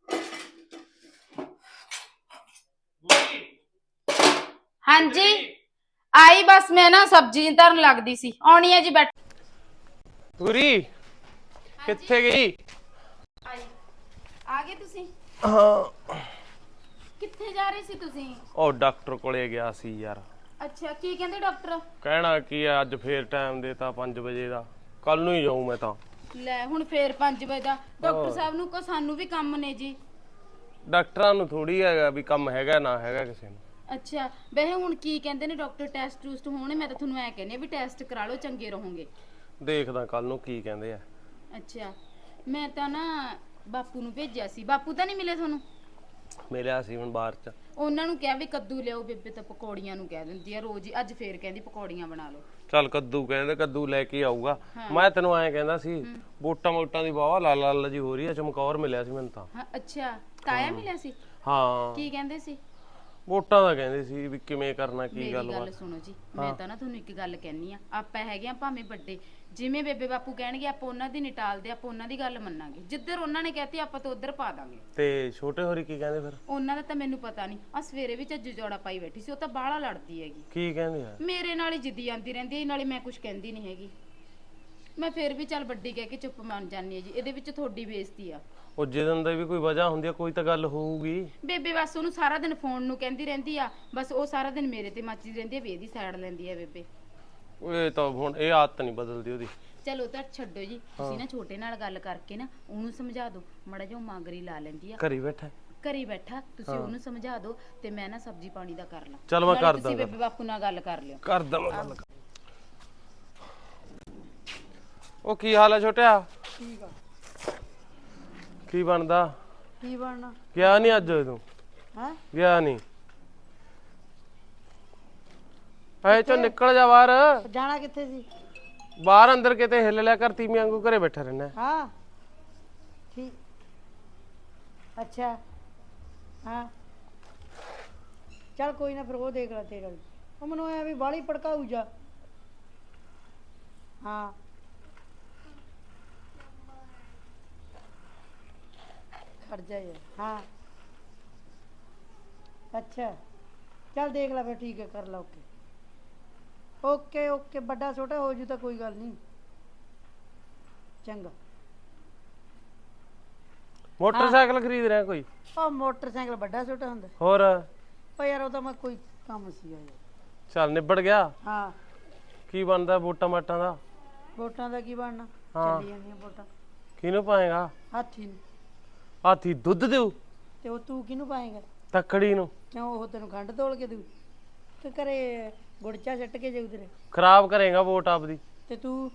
Speaker 1: ਹਾਂਜੀ ਆਈ, ਬਸ ਮੈਂ ਨਾ ਸਬਜ਼ੀ ਧਰਨ ਲੱਗਦੀ ਸੀ, ਆਉਣੀ ਹੈ ਜੀ। ਬੈਠ
Speaker 5: ਪੂਰੀ ਕਿੱਥੇ ਗਈ?
Speaker 1: ਆਈ ਆ ਗਏ ਤੁਸੀਂ?
Speaker 5: ਹਾਂ
Speaker 1: ਕਿੱਥੇ ਜਾ ਰਹੇ ਸੀ ਤੁਸੀਂ?
Speaker 5: ਉਹ ਡਾਕਟਰ ਕੋਲੇ ਗਿਆ ਸੀ ਯਾਰ।
Speaker 1: ਅੱਛਾ, ਕੀ ਕਹਿੰਦੇ ਡਾਕਟਰ?
Speaker 5: ਕਹਿਣਾ ਕੀ ਆ, ਅੱਜ ਫੇਰ ਟਾਈਮ ਦੇਤਾ ਪੰਜ ਵਜੇ ਦਾ, ਕੱਲ ਨੂੰ ਹੀ ਜਾਊਂ ਮੈਂ ਤਾਂ।
Speaker 1: ਲੈ ਹੁਣ ਫੇਰ ਪੰਜ ਵਜੇ ਦਾ? ਡਾਕਟਰ ਸਾਹਿਬ ਨੂੰ ਕੋ ਸਾਨੂੰ ਵੀ ਕੰਮ ਨੇ ਜੀ।
Speaker 5: ਡਾਕਟਰਾਂ ਨੂੰ ਥੋੜੀ ਹੈਗਾ ਵੀ ਕੰਮ ਹੈਗਾ ਨਾ ਹੈਗਾ ਕਿਸੇ ਨੂੰ।
Speaker 1: ਅੱਛਾ ਵੈਸੇ ਹੁਣ ਕੀ ਕਹਿੰਦੇ ਨੇ ਡਾਕਟਰ? ਟੈਸਟ ਟੂਸਟ ਹੋਣੇ? ਮੈਂ ਤਾਂ ਤੁਹਾਨੂੰ ਐ ਕਹਿੰਦੀ ਆ ਵੀ ਟੈਸਟ ਕਰਾ ਲਓ, ਚੰਗੇ ਰਹੋਗੇ।
Speaker 5: ਦੇਖਦਾ ਕੱਲ ਨੂੰ ਕੀ ਕਹਿੰਦੇ ਆ।
Speaker 1: ਅੱਛਾ ਮੈਂ ਤਾਂ ਨਾ ਬਾਪੂ ਨੂੰ ਭੇਜਿਆ ਸੀ, ਬਾਪੂ ਤਾਂ ਨਹੀਂ ਮਿਲੇ ਤੁਹਾਨੂੰ?
Speaker 5: ਮਿਲਿਆ ਸੀ ਹੁਣ ਬਾਹਰ ਚ।
Speaker 1: ਉਹਨਾਂ ਨੂੰ ਕਿਹਾ ਵੀ ਕੱਦੂ ਲਿਆਓ, ਬੇਬੇ ਤਾਂ ਪਕੌੜੀਆਂ ਨੂੰ ਕਹਿ ਦਿੰਦੀ ਆ ਰੋਜ਼ ਹੀ, ਅੱਜ ਫੇਰ ਕਹਿੰਦੀ ਪਕੌੜੀਆਂ ਬਣਾ ਲਓ।
Speaker 5: ਚੱਲ ਕੱਦੂ ਕਹਿੰਦੇ, ਕੱਦੂ ਲੈ ਕੇ ਆਊਗਾ। ਮੈਂ ਤੈਨੂੰ ਐਂ ਕਹਿੰਦਾ ਸੀ, ਵੋਟਾਂ ਵੋਟਾਂ ਦੀ ਵਾਵਾ ਲਾਲ ਲਾਲ ਜੀ ਹੋ ਰਹੀ ਆ। ਚਮਕੌਰ ਮਿਲਿਆ ਸੀ ਮੈਨੂੰ ਤਾਂ।
Speaker 1: ਹਾਂ ਅੱਛਾ, ਤਾਇਆ ਮਿਲਿਆ ਸੀ?
Speaker 5: ਹਾਂ
Speaker 1: ਕੀ ਕਹਿੰਦੇ ਸੀ?
Speaker 5: ਵੋਟਾਂ ਦਾ ਕਹਿੰਦੇ ਸੀ ਵੀ ਕਿਵੇਂ ਕਰਨਾ, ਕੀ
Speaker 1: ਮੇਰੀ
Speaker 5: ਗੱਲ
Speaker 1: ਗੱਲ
Speaker 5: ਬਾਤ।
Speaker 1: ਸੁਣੋ ਜੀ, ਮੈਂ ਤਾਂ ਨਾ ਤੁਹਾਨੂੰ ਇੱਕ ਗੱਲ ਕਹਿਣੀ ਆ, ਆਪਾਂ ਹੈਗੇ ਆ ਭਾਵੇਂ ਵੱਡੇ, ਜਿਵੇਂ ਬੇਬੇ ਬਾਪੂ ਕਹਿਣਗੇ ਆਪਾਂ ਉਹਨਾਂ ਦੀ ਨਿਟਾਲਦੇ, ਆਪਾਂ ਉਹਨਾਂ ਦੀ ਗੱਲ ਮੰਨਾਂਗੇ। ਜਿੱਧਰ ਉਹਨਾਂ ਨੇ ਕਹਿਤੀ ਆਪਾਂ ਤਾਂ ਉਧਰ ਪਾ ਦਾਂਗੇ।
Speaker 5: ਤੇ ਛੋਟੇ ਹੋਰੀ ਕੀ ਕਹਿੰਦੇ ਫਿਰ?
Speaker 1: ਉਹਨਾਂ ਦਾ ਤਾਂ ਮੈਨੂੰ ਪਤਾ ਨਹੀਂ। ਆ ਸਵੇਰੇ ਵੀ ਝੱਜੂ ਜੋੜਾ ਪਾਈ ਬੈਠੀ ਸੀ, ਉਹ ਤਾਂ ਬਾਹਲਾ ਲੜਦੀ ਹੈਗੀ
Speaker 5: ਕੀ ਕਹਿੰਦੇ ਆ?
Speaker 1: ਮੇਰੇ ਨਾਲ ਹੀ ਜਿੱਦੀ ਆਂਦੀ ਰਹਿੰਦੀ ਹੈ, ਨਾਲੇ ਮੈਂ ਕੁਝ ਕਹਿੰਦੀ ਨਹੀਂ ਹੈਗੀ। ਮੈਂ ਫੇਰ ਵੀ ਚੱਲ ਵੱਡੀ ਕਹਿ ਕੇ ਚੁੱਪ ਮੰਨ ਜਾਂਦੀ ਹੈ ਜੀ, ਇਹਦੇ ਵਿੱਚ ਤੁਹਾਡੀ ਬੇਇੱਜ਼ਤੀ ਆ।
Speaker 5: ਉਹ ਜਦੋਂ ਦਾ ਵੀ ਕੋਈ ਵਜ੍ਹਾ ਹੁੰਦੀ ਆ, ਕੋਈ ਤਾਂ ਗੱਲ ਹੋਊਗੀ।
Speaker 1: ਬੇਬੇ ਬਸ ਉਹਨੂੰ ਸਾਰਾ ਦਿਨ ਫੋਨ ਨੂੰ ਕਹਿੰਦੀ ਰਹਿੰਦੀ ਆ, ਬਸ ਉਹ ਸਾਰਾ ਦਿਨ ਮੇਰੇ ਤੇ ਮੱਚਦੀ ਰਹਿੰਦੀ ਹੈ ਵੀ ਇਹਦੀ ਸਾਈਡ ਲੈਂਦੀ ਹੈ ਬੇਬੇ।
Speaker 5: ਇਹ ਤਾਂ ਹੁਣ ਇਹ ਆਦਤ ਨਹੀਂ ਬਦਲਦੀ ਉਹਦੀ।
Speaker 1: ਚਲੋ ਤਾਂ ਛੱਡੋ ਜੀ, ਤੁਸੀਂ ਨਾ ਛੋਟੇ ਨਾਲ ਗੱਲ ਕਰਕੇ ਨਾ ਉਹਨੂੰ ਸਮਝਾ ਦਿਓ, ਮੜਾ ਜਿਹਾ ਮਾਂਗਰੀ ਲਾ ਲੈਂਦੀ ਆ।
Speaker 5: ਘਰੀ ਬੈਠਾ
Speaker 1: ਘਰੀ ਬੈਠਾ, ਤੁਸੀਂ ਉਹਨੂੰ ਸਮਝਾ ਦਿਓ ਤੇ ਮੈਂ ਨਾ ਸਬਜ਼ੀ ਪਾਣੀ ਦਾ ਕਰ ਲਾਂ।
Speaker 5: ਚੱਲ ਮੈਂ
Speaker 1: ਨਾਲੇ
Speaker 5: ਕਰਦਾ
Speaker 1: ਤੁਸੀਂ ਬੇਬੇ ਬਾਪੂ ਨਾਲ ਗੱਲ ਕਰ ਲਿਓ।
Speaker 5: ਕਰਦਾ ਮੈਂ ਗੱਲ। ਉਹ ਕੀ ਹਾਲ ਹੈ ਛੋਟਿਆ?
Speaker 4: ਠੀਕ ਆ।
Speaker 5: ਕੀ ਬਣਦਾ?
Speaker 4: ਕੀ ਬਣਨਾ?
Speaker 5: ਗਿਆ ਨਹੀਂ ਅੱਜ ਤੂੰ?
Speaker 4: ਹੈ
Speaker 5: ਗਿਆ ਨਹੀਂ? ਐ ਚੋਂ ਨਿਕਲ ਜਾ ਬਾਹਰ।
Speaker 4: ਜਾਣਾ ਕਿੱਥੇ ਸੀ?
Speaker 5: ਬਾਹਰ ਅੰਦਰ ਕਿਤੇ ਹਿੱਲ ਲਿਆ ਕਰ, ਤੀਵੀਂ ਵਾਂਗੂ ਘਰੇ ਬੈਠਾ ਰਹਿਣਾ।
Speaker 4: ਹਾਂ ਠੀਕ। ਅੱਛਾ ਹਾਂ ਚੱਲ ਕੋਈ ਨਾ, ਫਿਰ ਉਹ ਦੇਖ ਲੈ ਤੇਰਾ ਵੀ। ਉਹ ਮੈਨੂੰ ਐ ਵੀ ਬਾਹਲੀ ਭੜਕਾਊ ਜਾ। ਹਾਂ ਖੜ ਜਾ ਯਾਰ। ਹਾਂ ਅੱਛਾ ਚੱਲ ਦੇਖ ਲੈ ਫਿਰ, ਠੀਕ ਹੈ ਕਰ ਲਾ। ਓਕੇ ਓਕੇ ਓਕੇ, ਵੱਡਾ ਛੋਟਾ ਹੋ ਜੂ ਤਾਂ ਕੋਈ ਗੱਲ ਨਹੀਂ। ਚੰਗਾ।
Speaker 5: ਮੋਟਰਸਾਈਕਲ ਖਰੀਦ ਰਿਹਾ ਕੋਈ?
Speaker 4: ਉਹ ਮੋਟਰਸਾਈਕਲ ਵੱਡਾ ਛੋਟਾ ਹੁੰਦਾ?
Speaker 5: ਹੋਰ
Speaker 4: ਉਹ ਯਾਰ ਉਹ ਤਾਂ ਮੈਂ ਕੋਈ ਕੰਮ ਸੀਗਾ ਯਾਰ।
Speaker 5: ਚੱਲ ਨਿਬੜ ਗਿਆ।
Speaker 4: ਹਾਂ
Speaker 5: ਕੀ ਬਣਦਾ ਵੋਟਾਂ ਮਾਟਾਂ ਦਾ?
Speaker 4: ਵੋਟਾਂ ਦਾ ਕੀ ਬਣਨਾ,
Speaker 5: ਹਾਂ।
Speaker 4: ਚੱਲੀ ਜਾਂਦੀਆਂ ਵੋਟਾਂ।
Speaker 5: ਕਿਹਨੂੰ ਪਾਏਗਾ?
Speaker 4: ਹਾਥੀ ਨੂੰ।
Speaker 5: ਹਾਥੀ ਦੁੱਧ ਦੇਊ?
Speaker 4: ਤੇ ਉਹ ਤੂੰ ਕਿਹਨੂੰ ਪਾਏਗਾ?
Speaker 5: ਤੱਕੜੀ ਨੂੰ।
Speaker 4: ਕਿਉਂ ਉਹ ਤੈਨੂੰ ਖੰਡ ਤੋਲ ਕੇ ਦੂ ਤੇ ਘਰੇ ਗੁੜਚਾ ਛੱਟ ਕੇ ਜਾਊ ਤੇਰੇ?
Speaker 5: ਖਰਾਬ ਕਰੇਗਾ ਵੋਟ ਆਪਦੀ।
Speaker 4: ਤੇ ਤੂੰ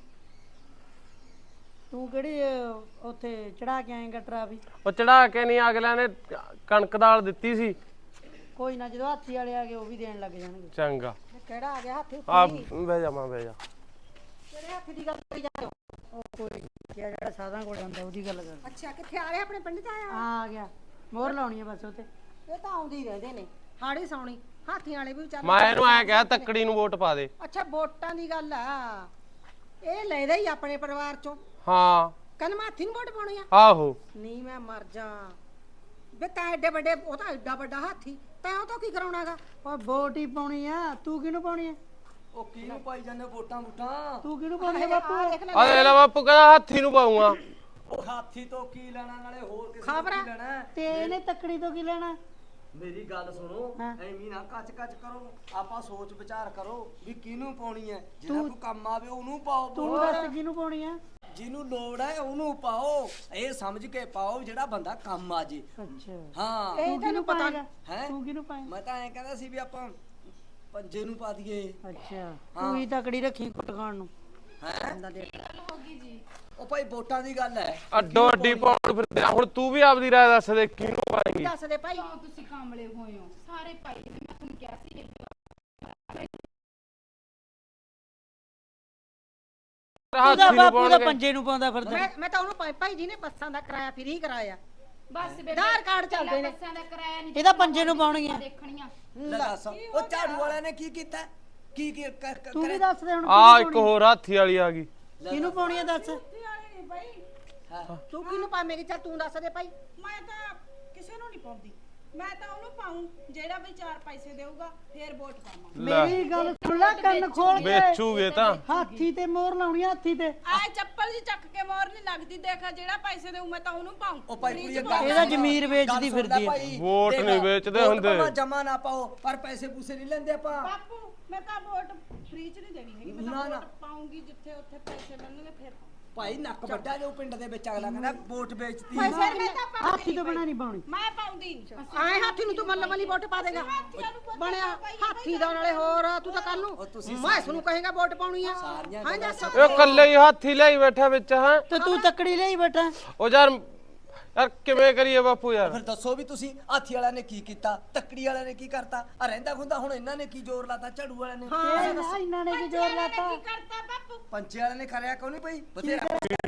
Speaker 4: ਤੂੰ ਕਿਹੜੀ ਅਹ, ਉੱਥੇ ਚੜਾ ਕੇ ਆਏਗਾ ਟਰਾਫੀ?
Speaker 5: ਉਹ ਚੜਾ ਕੇ ਨਹੀਂ, ਅਗਲਿਆਂ ਨੇ ਕਣਕ ਦਾਲ ਦਿੱਤੀ ਸੀ।
Speaker 4: ਕੋਈ ਨਾ, ਜਦੋਂ ਹਾਥੀ ਵਾਲੇ ਆ ਗਏ ਉਹ ਵੀ ਦੇਣ ਲੱਗ ਜਾਣਗੇ।
Speaker 5: ਚੰਗਾ
Speaker 4: ਕਿਹੜਾ ਆ ਗਿਆ ਹਾਥੀ?
Speaker 5: ਆ ਬਹਿ ਜਾ ਮਾਂ ਬਹਿ ਜਾ।
Speaker 4: ਕਿਹੜੇ ਹਾਥੀ ਦੀ ਗੱਲ ਕਰੀ ਜਾਂਦੇ ਹੋ? ਉਹ ਕੋਈ ਜਿਹੜਾ ਸਾਧਾਂ ਕੋਲ ਜਾਂਦਾ ਉਹਦੀ ਗੱਲ ਕਰ।
Speaker 2: ਅੱਛਾ ਕਿੱਥੇ ਆ ਰਿਹਾ? ਆਪਣੇ ਪਿੰਡ ਚ ਆਇਆ?
Speaker 4: ਆ ਗਿਆ, ਮੋਹਰ ਲਾਉਣੀ ਹੈ ਬਸ ਉਤੇ।
Speaker 2: ਇਹ ਤਾਂ ਆਉਂਦੇ ਹੀ ਰਹਿੰਦੇ ਨੇ, ਹਾੜੀ ਸੌਣੀ। ਹਾਥੀਆਂ ਵਾਲੇ ਵੀ ਵਿਚਾਰੇ।
Speaker 5: ਮੈਂ ਇਹਨੂੰ ਐ ਕਿਹਾ ਤੱਕੜੀ ਨੂੰ ਵੋਟ ਪਾ ਦੇ।
Speaker 2: ਅੱਛਾ ਵੋਟਾਂ ਦੀ ਗੱਲ ਆ, ਇਹ ਲੈਦਾ ਹੀ ਆਪਣੇ ਪਰਿਵਾਰ ਚੋਂ।
Speaker 5: ਹਾਂ
Speaker 2: ਕਹਿੰਦਾ ਮੈਂ ਹਾਥੀ ਨੂੰ ਵੋਟ ਪਾਉਣੀ ਆ?
Speaker 5: ਆਹੋ।
Speaker 2: ਨਹੀਂ ਮੈਂ ਮਰ ਜਾ ਬੇ, ਤਾਂ ਐਡੇ ਵੱਡੇ, ਉਹ ਤਾਂ ਐਡਾ ਵੱਡਾ ਹਾਥੀ, ਤੈਂ ਉਹ ਤੋਂ ਕੀ ਕਰਾਉਣਾਗਾ?
Speaker 4: ਉਹ ਵੋਟ ਹੀ ਪਾਉਣੀ ਆ। ਤੂੰ ਕਿਹਨੂੰ ਪਾਉਣੀ ਆ?
Speaker 3: ਉਹ ਕਿਹਨੂੰ ਪਾਈ ਜਾਂਦੇ ਵੋਟਾਂ ਵੋਟਾਂ?
Speaker 4: ਤੂੰ ਕਿਹਨੂੰ ਪਾਉਣੀ ਆ ਬਾਪੂ?
Speaker 5: ਆ ਲੈ ਲੈ ਬਾਪੂ ਕਹਿੰਦਾ ਹਾਥੀ ਨੂੰ ਪਾਉਂਗਾ।
Speaker 3: ਉਹ ਹਾਥੀ ਤੋਂ ਕੀ ਲੈਣਾ, ਨਾਲੇ ਹੋਰ ਕਿਸੇ
Speaker 2: ਖਬਰ
Speaker 3: ਤੋਂ ਕੀ ਲੈਣਾ?
Speaker 4: ਤੇ ਇਹਨੇ ਤੱਕੜੀ ਤੋਂ ਕੀ ਲੈਣਾ?
Speaker 3: ਮੇਰੀ ਗੱਲ ਸੁਣੋ, ਐਵੇਂ ਨਾ ਕੱਚ ਕੱਚ ਕਰੋ, ਆਪਾਂ ਸੋਚ ਵਿਚਾਰ ਕਰੋ ਵੀ ਕਿਹਨੂੰ ਪਾਉਣੀ ਹੈ। ਜਿਹੜਾ ਕੋਈ ਕੰਮ ਆਵੇ ਉਹਨੂੰ ਪਾਓ।
Speaker 4: ਤੂੰ ਦੱਸ ਕਿਹਨੂੰ ਪਾਉਣੀ ਆ?
Speaker 3: ਜਿਹਨੂੰ ਲੋੜ ਹੈ ਉਹਨੂੰ ਪਾਓ, ਇਹ ਸਮਝ ਕੇ ਪਾਓ ਜਿਹੜਾ ਬੰਦਾ ਕੰਮ ਆ ਜੇ।
Speaker 2: ਅੱਛਾ
Speaker 3: ਹਾਂ
Speaker 2: ਇਹ ਤੈਨੂੰ ਪਤਾ
Speaker 3: ਹੈ।
Speaker 2: ਤੂੰ ਕਿਹਨੂੰ ਪਾਏ?
Speaker 3: ਮੈਂ ਤਾਂ ਐਂ ਕਹਿੰਦਾ ਸੀ ਵੀ ਆਪਾਂ ਪੰਜੇ ਨੂੰ ਪਾ ਦਈਏ।
Speaker 2: ਅੱਛਾ ਤੂੰ ਹੀ ਤਕੜੀ ਰੱਖੀ ਕੁੱਟ ਖਾਣ ਨੂੰ।
Speaker 3: ਹੈ
Speaker 1: ਗੱਲ ਹੋ ਗਈ ਜੀ।
Speaker 3: ਉਹ ਭਾਈ ਵੋਟਾਂ ਦੀ ਗੱਲ ਹੈ।
Speaker 5: ਅੱਡੋ ਅੱਡੀ ਪਾਉਣ ਫਿਰਦੇ ਆ। ਹੁਣ ਤੂੰ ਵੀ ਆਪਦੀ ਰਾਏ ਦੱਸ ਦੇ ਕਿਹਨੂੰ ਪਾਏਂਗੀ।
Speaker 2: ਦੱਸ ਦੇ ਭਾਈ।
Speaker 1: ਕਿਉਂ ਤੁਸੀਂ ਕਾਮਲੇ ਹੋਏ ਹੋ ਸਾਰੇ ਭਾਈ ਨੇ, ਮੈਂ ਤੁਹਾਨੂੰ ਕਿਹਾ ਸੀ
Speaker 5: ਹਾਥੀ ਨੂੰ
Speaker 6: ਬਾਪੂ ਦਾ
Speaker 5: ਪਾਉਣਗੇ।
Speaker 6: ਪੰਜੇ ਨੂੰ ਪਾਉਂਦਾ ਫਿਰਦਾ।
Speaker 2: ਮੈਂ ਮੈਂ ਤਾਂ ਉਹਨੂੰ ਭਾਈ- ਭਾਈ ਜੀ ਨੇ ਬੱਸਾਂ ਦਾ ਕਿਰਾਇਆ ਫ੍ਰੀ ਕਰਾਇਆ।
Speaker 1: ਬਸ ਬੇਬੇ
Speaker 2: ਆਧਾਰ ਕਾਰਡ ਚੱਲਦੇ ਨੇ।
Speaker 1: ਬੱਸਾਂ ਦਾ ਕਿਰਾਇਆ ਨਹੀਂ
Speaker 6: ਇਹਦਾ ਪੰਜੇ ਨੂੰ ਪਾਉਣਗੀਆਂ।
Speaker 1: ਦੇਖਣੀਆਂ।
Speaker 3: ਲੈ ਦੱਸ ਉਹ ਝਾੜੂ ਵਾਲਿਆਂ ਨੇ ਕੀ ਕੀਤਾ? ਕੀ ਕੀ ਕ- ਕ-
Speaker 6: ਤੂੰ ਵੀ
Speaker 3: ਕਰਿਆ?
Speaker 6: ਦੱਸ ਦੇ ਹੁਣ
Speaker 5: ਆ ਇੱਕ ਹੋਰ ਹਾਥੀ ਵਾਲੀ ਆ ਗਈ।
Speaker 6: ਕਿਹਨੂੰ ਪਾਉਣੀ ਆ ਦੱਸ।
Speaker 2: ਤੂੰ ਕਿਹਨੂੰ ਪਾਵੇਂਗੀ? ਚੱਲ ਤੂੰ ਦੱਸ ਦੇ ਭਾਈ।
Speaker 4: ਮੈਂ ਤਾਂ ਕਿਸੇ ਨੂੰ ਨਹੀਂ ਪਾਉਂਦੀ, ਮੈਂ ਤਾਂ ਉਹਨੂੰ ਪਾਉਂ ਜਿਹੜਾ ਵੀ ਚਾਰ ਪੈਸੇ ਦੇਊਗਾ ਫੇਰ ਵੋਟ ਪਾਵਾਂ।
Speaker 6: ਮੇਰੀ ਗੱਲ ਸੁਣ ਲੈ ਕੰਨ ਖੋਲ ਕੇ।
Speaker 5: ਵੇਚੂਗੇ ਤਾਂ
Speaker 6: ਹਾਥੀ ਤੇ ਮੋਹਰ ਲਾਉਣੀ ਆ, ਹਾਥੀ ਤੇ।
Speaker 4: ਆਏ ਚੱਪਲ ਜੀ ਚੱਕ ਕੇ ਮੋਰ ਨਹੀਂ ਲੱਗਦੀ, ਦੇਖ ਜਿਹੜਾ ਪੈਸੇ ਦੇਊ ਮੈਂ ਤਾਂ ਉਹਨੂੰ ਪਾਉਂ।
Speaker 3: ਉਹ ਭਾਈ ਕੁੜੀ ਇਹ ਗੱਲ
Speaker 6: ਇਹਦਾ
Speaker 3: ਸੁਣ।
Speaker 6: ਜ਼ਮੀਰ ਵੇਚਦੀ
Speaker 3: ਗੱਲ ਸੁਣ ਲੈ
Speaker 6: ਫਿਰਦੀ ਆ।
Speaker 3: ਭਾਈ,
Speaker 5: ਵੋਟ
Speaker 3: ਦੇਖ,
Speaker 5: ਨਹੀਂ ਵੇਚਦੇ
Speaker 3: ਵੋਟ
Speaker 5: ਹੁੰਦੇ।
Speaker 3: ਭਾਵੇਂ ਜਮਾ ਨਾ ਪਾਓ ਪਰ ਪੈਸੇ ਪੂਸੇ ਨਹੀਂ ਲੈਂਦੇ ਆਪਾਂ।
Speaker 4: ਬਾਪੂ ਮੈਂ ਤਾਂ ਵੋਟ ਫ੍ਰੀ ਚ ਨਹੀਂ ਦੇਣੀ ਹੈਗੀ, ਮੈਂ
Speaker 3: ਨਾ,
Speaker 4: ਤਾਂ
Speaker 3: ਨਾ।
Speaker 4: ਵੋਟ ਪਾਉਂਗੀ ਜਿੱਥੇ ਉੱਥੇ ਪੈਸੇ ਮਿਲਣਗੇ ਫੇਰ ਪਾਊਂ।
Speaker 3: ਭਾਈ ਨੱਕ ਵੱਡਾ ਜੋ ਪਿੰਡ ਦੇ ਵਿੱਚ ਅਗਲਾ ਕਹਿੰਦਾ ਵੋਟ ਵੇਚਤੀ।
Speaker 4: ਫਿਰ ਮੈਂ ਤਾਂ ਪਾਉਂਦੀ
Speaker 6: ਹਾਥੀ ਤੋਂ ਬਣਾ ਨਹੀਂ ਪਾਉਣੀ।
Speaker 4: ਮੈਂ ਪਾਉਂਦੀ
Speaker 2: ਆਏ ਹਾਥੀ ਨੂੰ ਤੂੰ ਮੱਲ ਮੱਲੀ ਵੋਟ ਪਾ ਦੇਗਾ। ਬਣਿਆ ਹਾਥੀ ਦਾ ਨਾਲੇ ਹੋਰ ਤੂੰ ਤਾਂ ਕੱਲ ਨੂੰ ਮੈਂ ਇਸ ਨੂੰ ਕਹੇਗਾ ਵੋਟ ਪਾਉਣੀ ਆ। ਹਾਂ ਦੱਸ।
Speaker 5: ਇਹ ਕੱਲੇ ਹੀ ਹਾਥੀ ਲਈ ਬੈਠਾ ਵਿੱਚ ਹੈ।
Speaker 6: ਤੇ ਤੂੰ ਤੱਕੜੀ ਲਈ ਬੈਠਾ।
Speaker 5: ਉਹ ਯਾਰ ਯਾਰ ਕਿਵੇਂ ਕਰੀਏ ਬਾਪੂ ਯਾਰ।
Speaker 3: ਫਿਰ ਦੱਸੋ ਵੀ ਤੁਸੀਂ ਹਾਥੀ ਵਾਲਿਆਂ ਨੇ ਕੀ ਕੀਤਾ, ਤੱਕੜੀ ਵਾਲਿਆਂ ਨੇ ਕੀ ਕਰਤਾ, ਆ ਰਹਿੰਦਾ ਖੁੰਦਾ ਹੁਣ ਇਹਨਾਂ ਨੇ ਕੀ ਜ਼ੋਰ ਲਾਤਾ ਝਾੜੂ ਵਾਲਿਆਂ ਨੇ।
Speaker 6: ਇਹ ਨਾ ਇਹਨਾਂ ਨੇ ਕੀ ਜ਼ੋਰ ਲਾਤਾ।
Speaker 4: ਕਰਤਾ ਬਾਪੂ
Speaker 3: ਪੰਚੇ ਵਾਲਿਆਂ ਨੇ ਕਰਿਆ ਕਿਉਂ ਨਹੀਂ ਭਾਈ? ਬਥੇਰਾ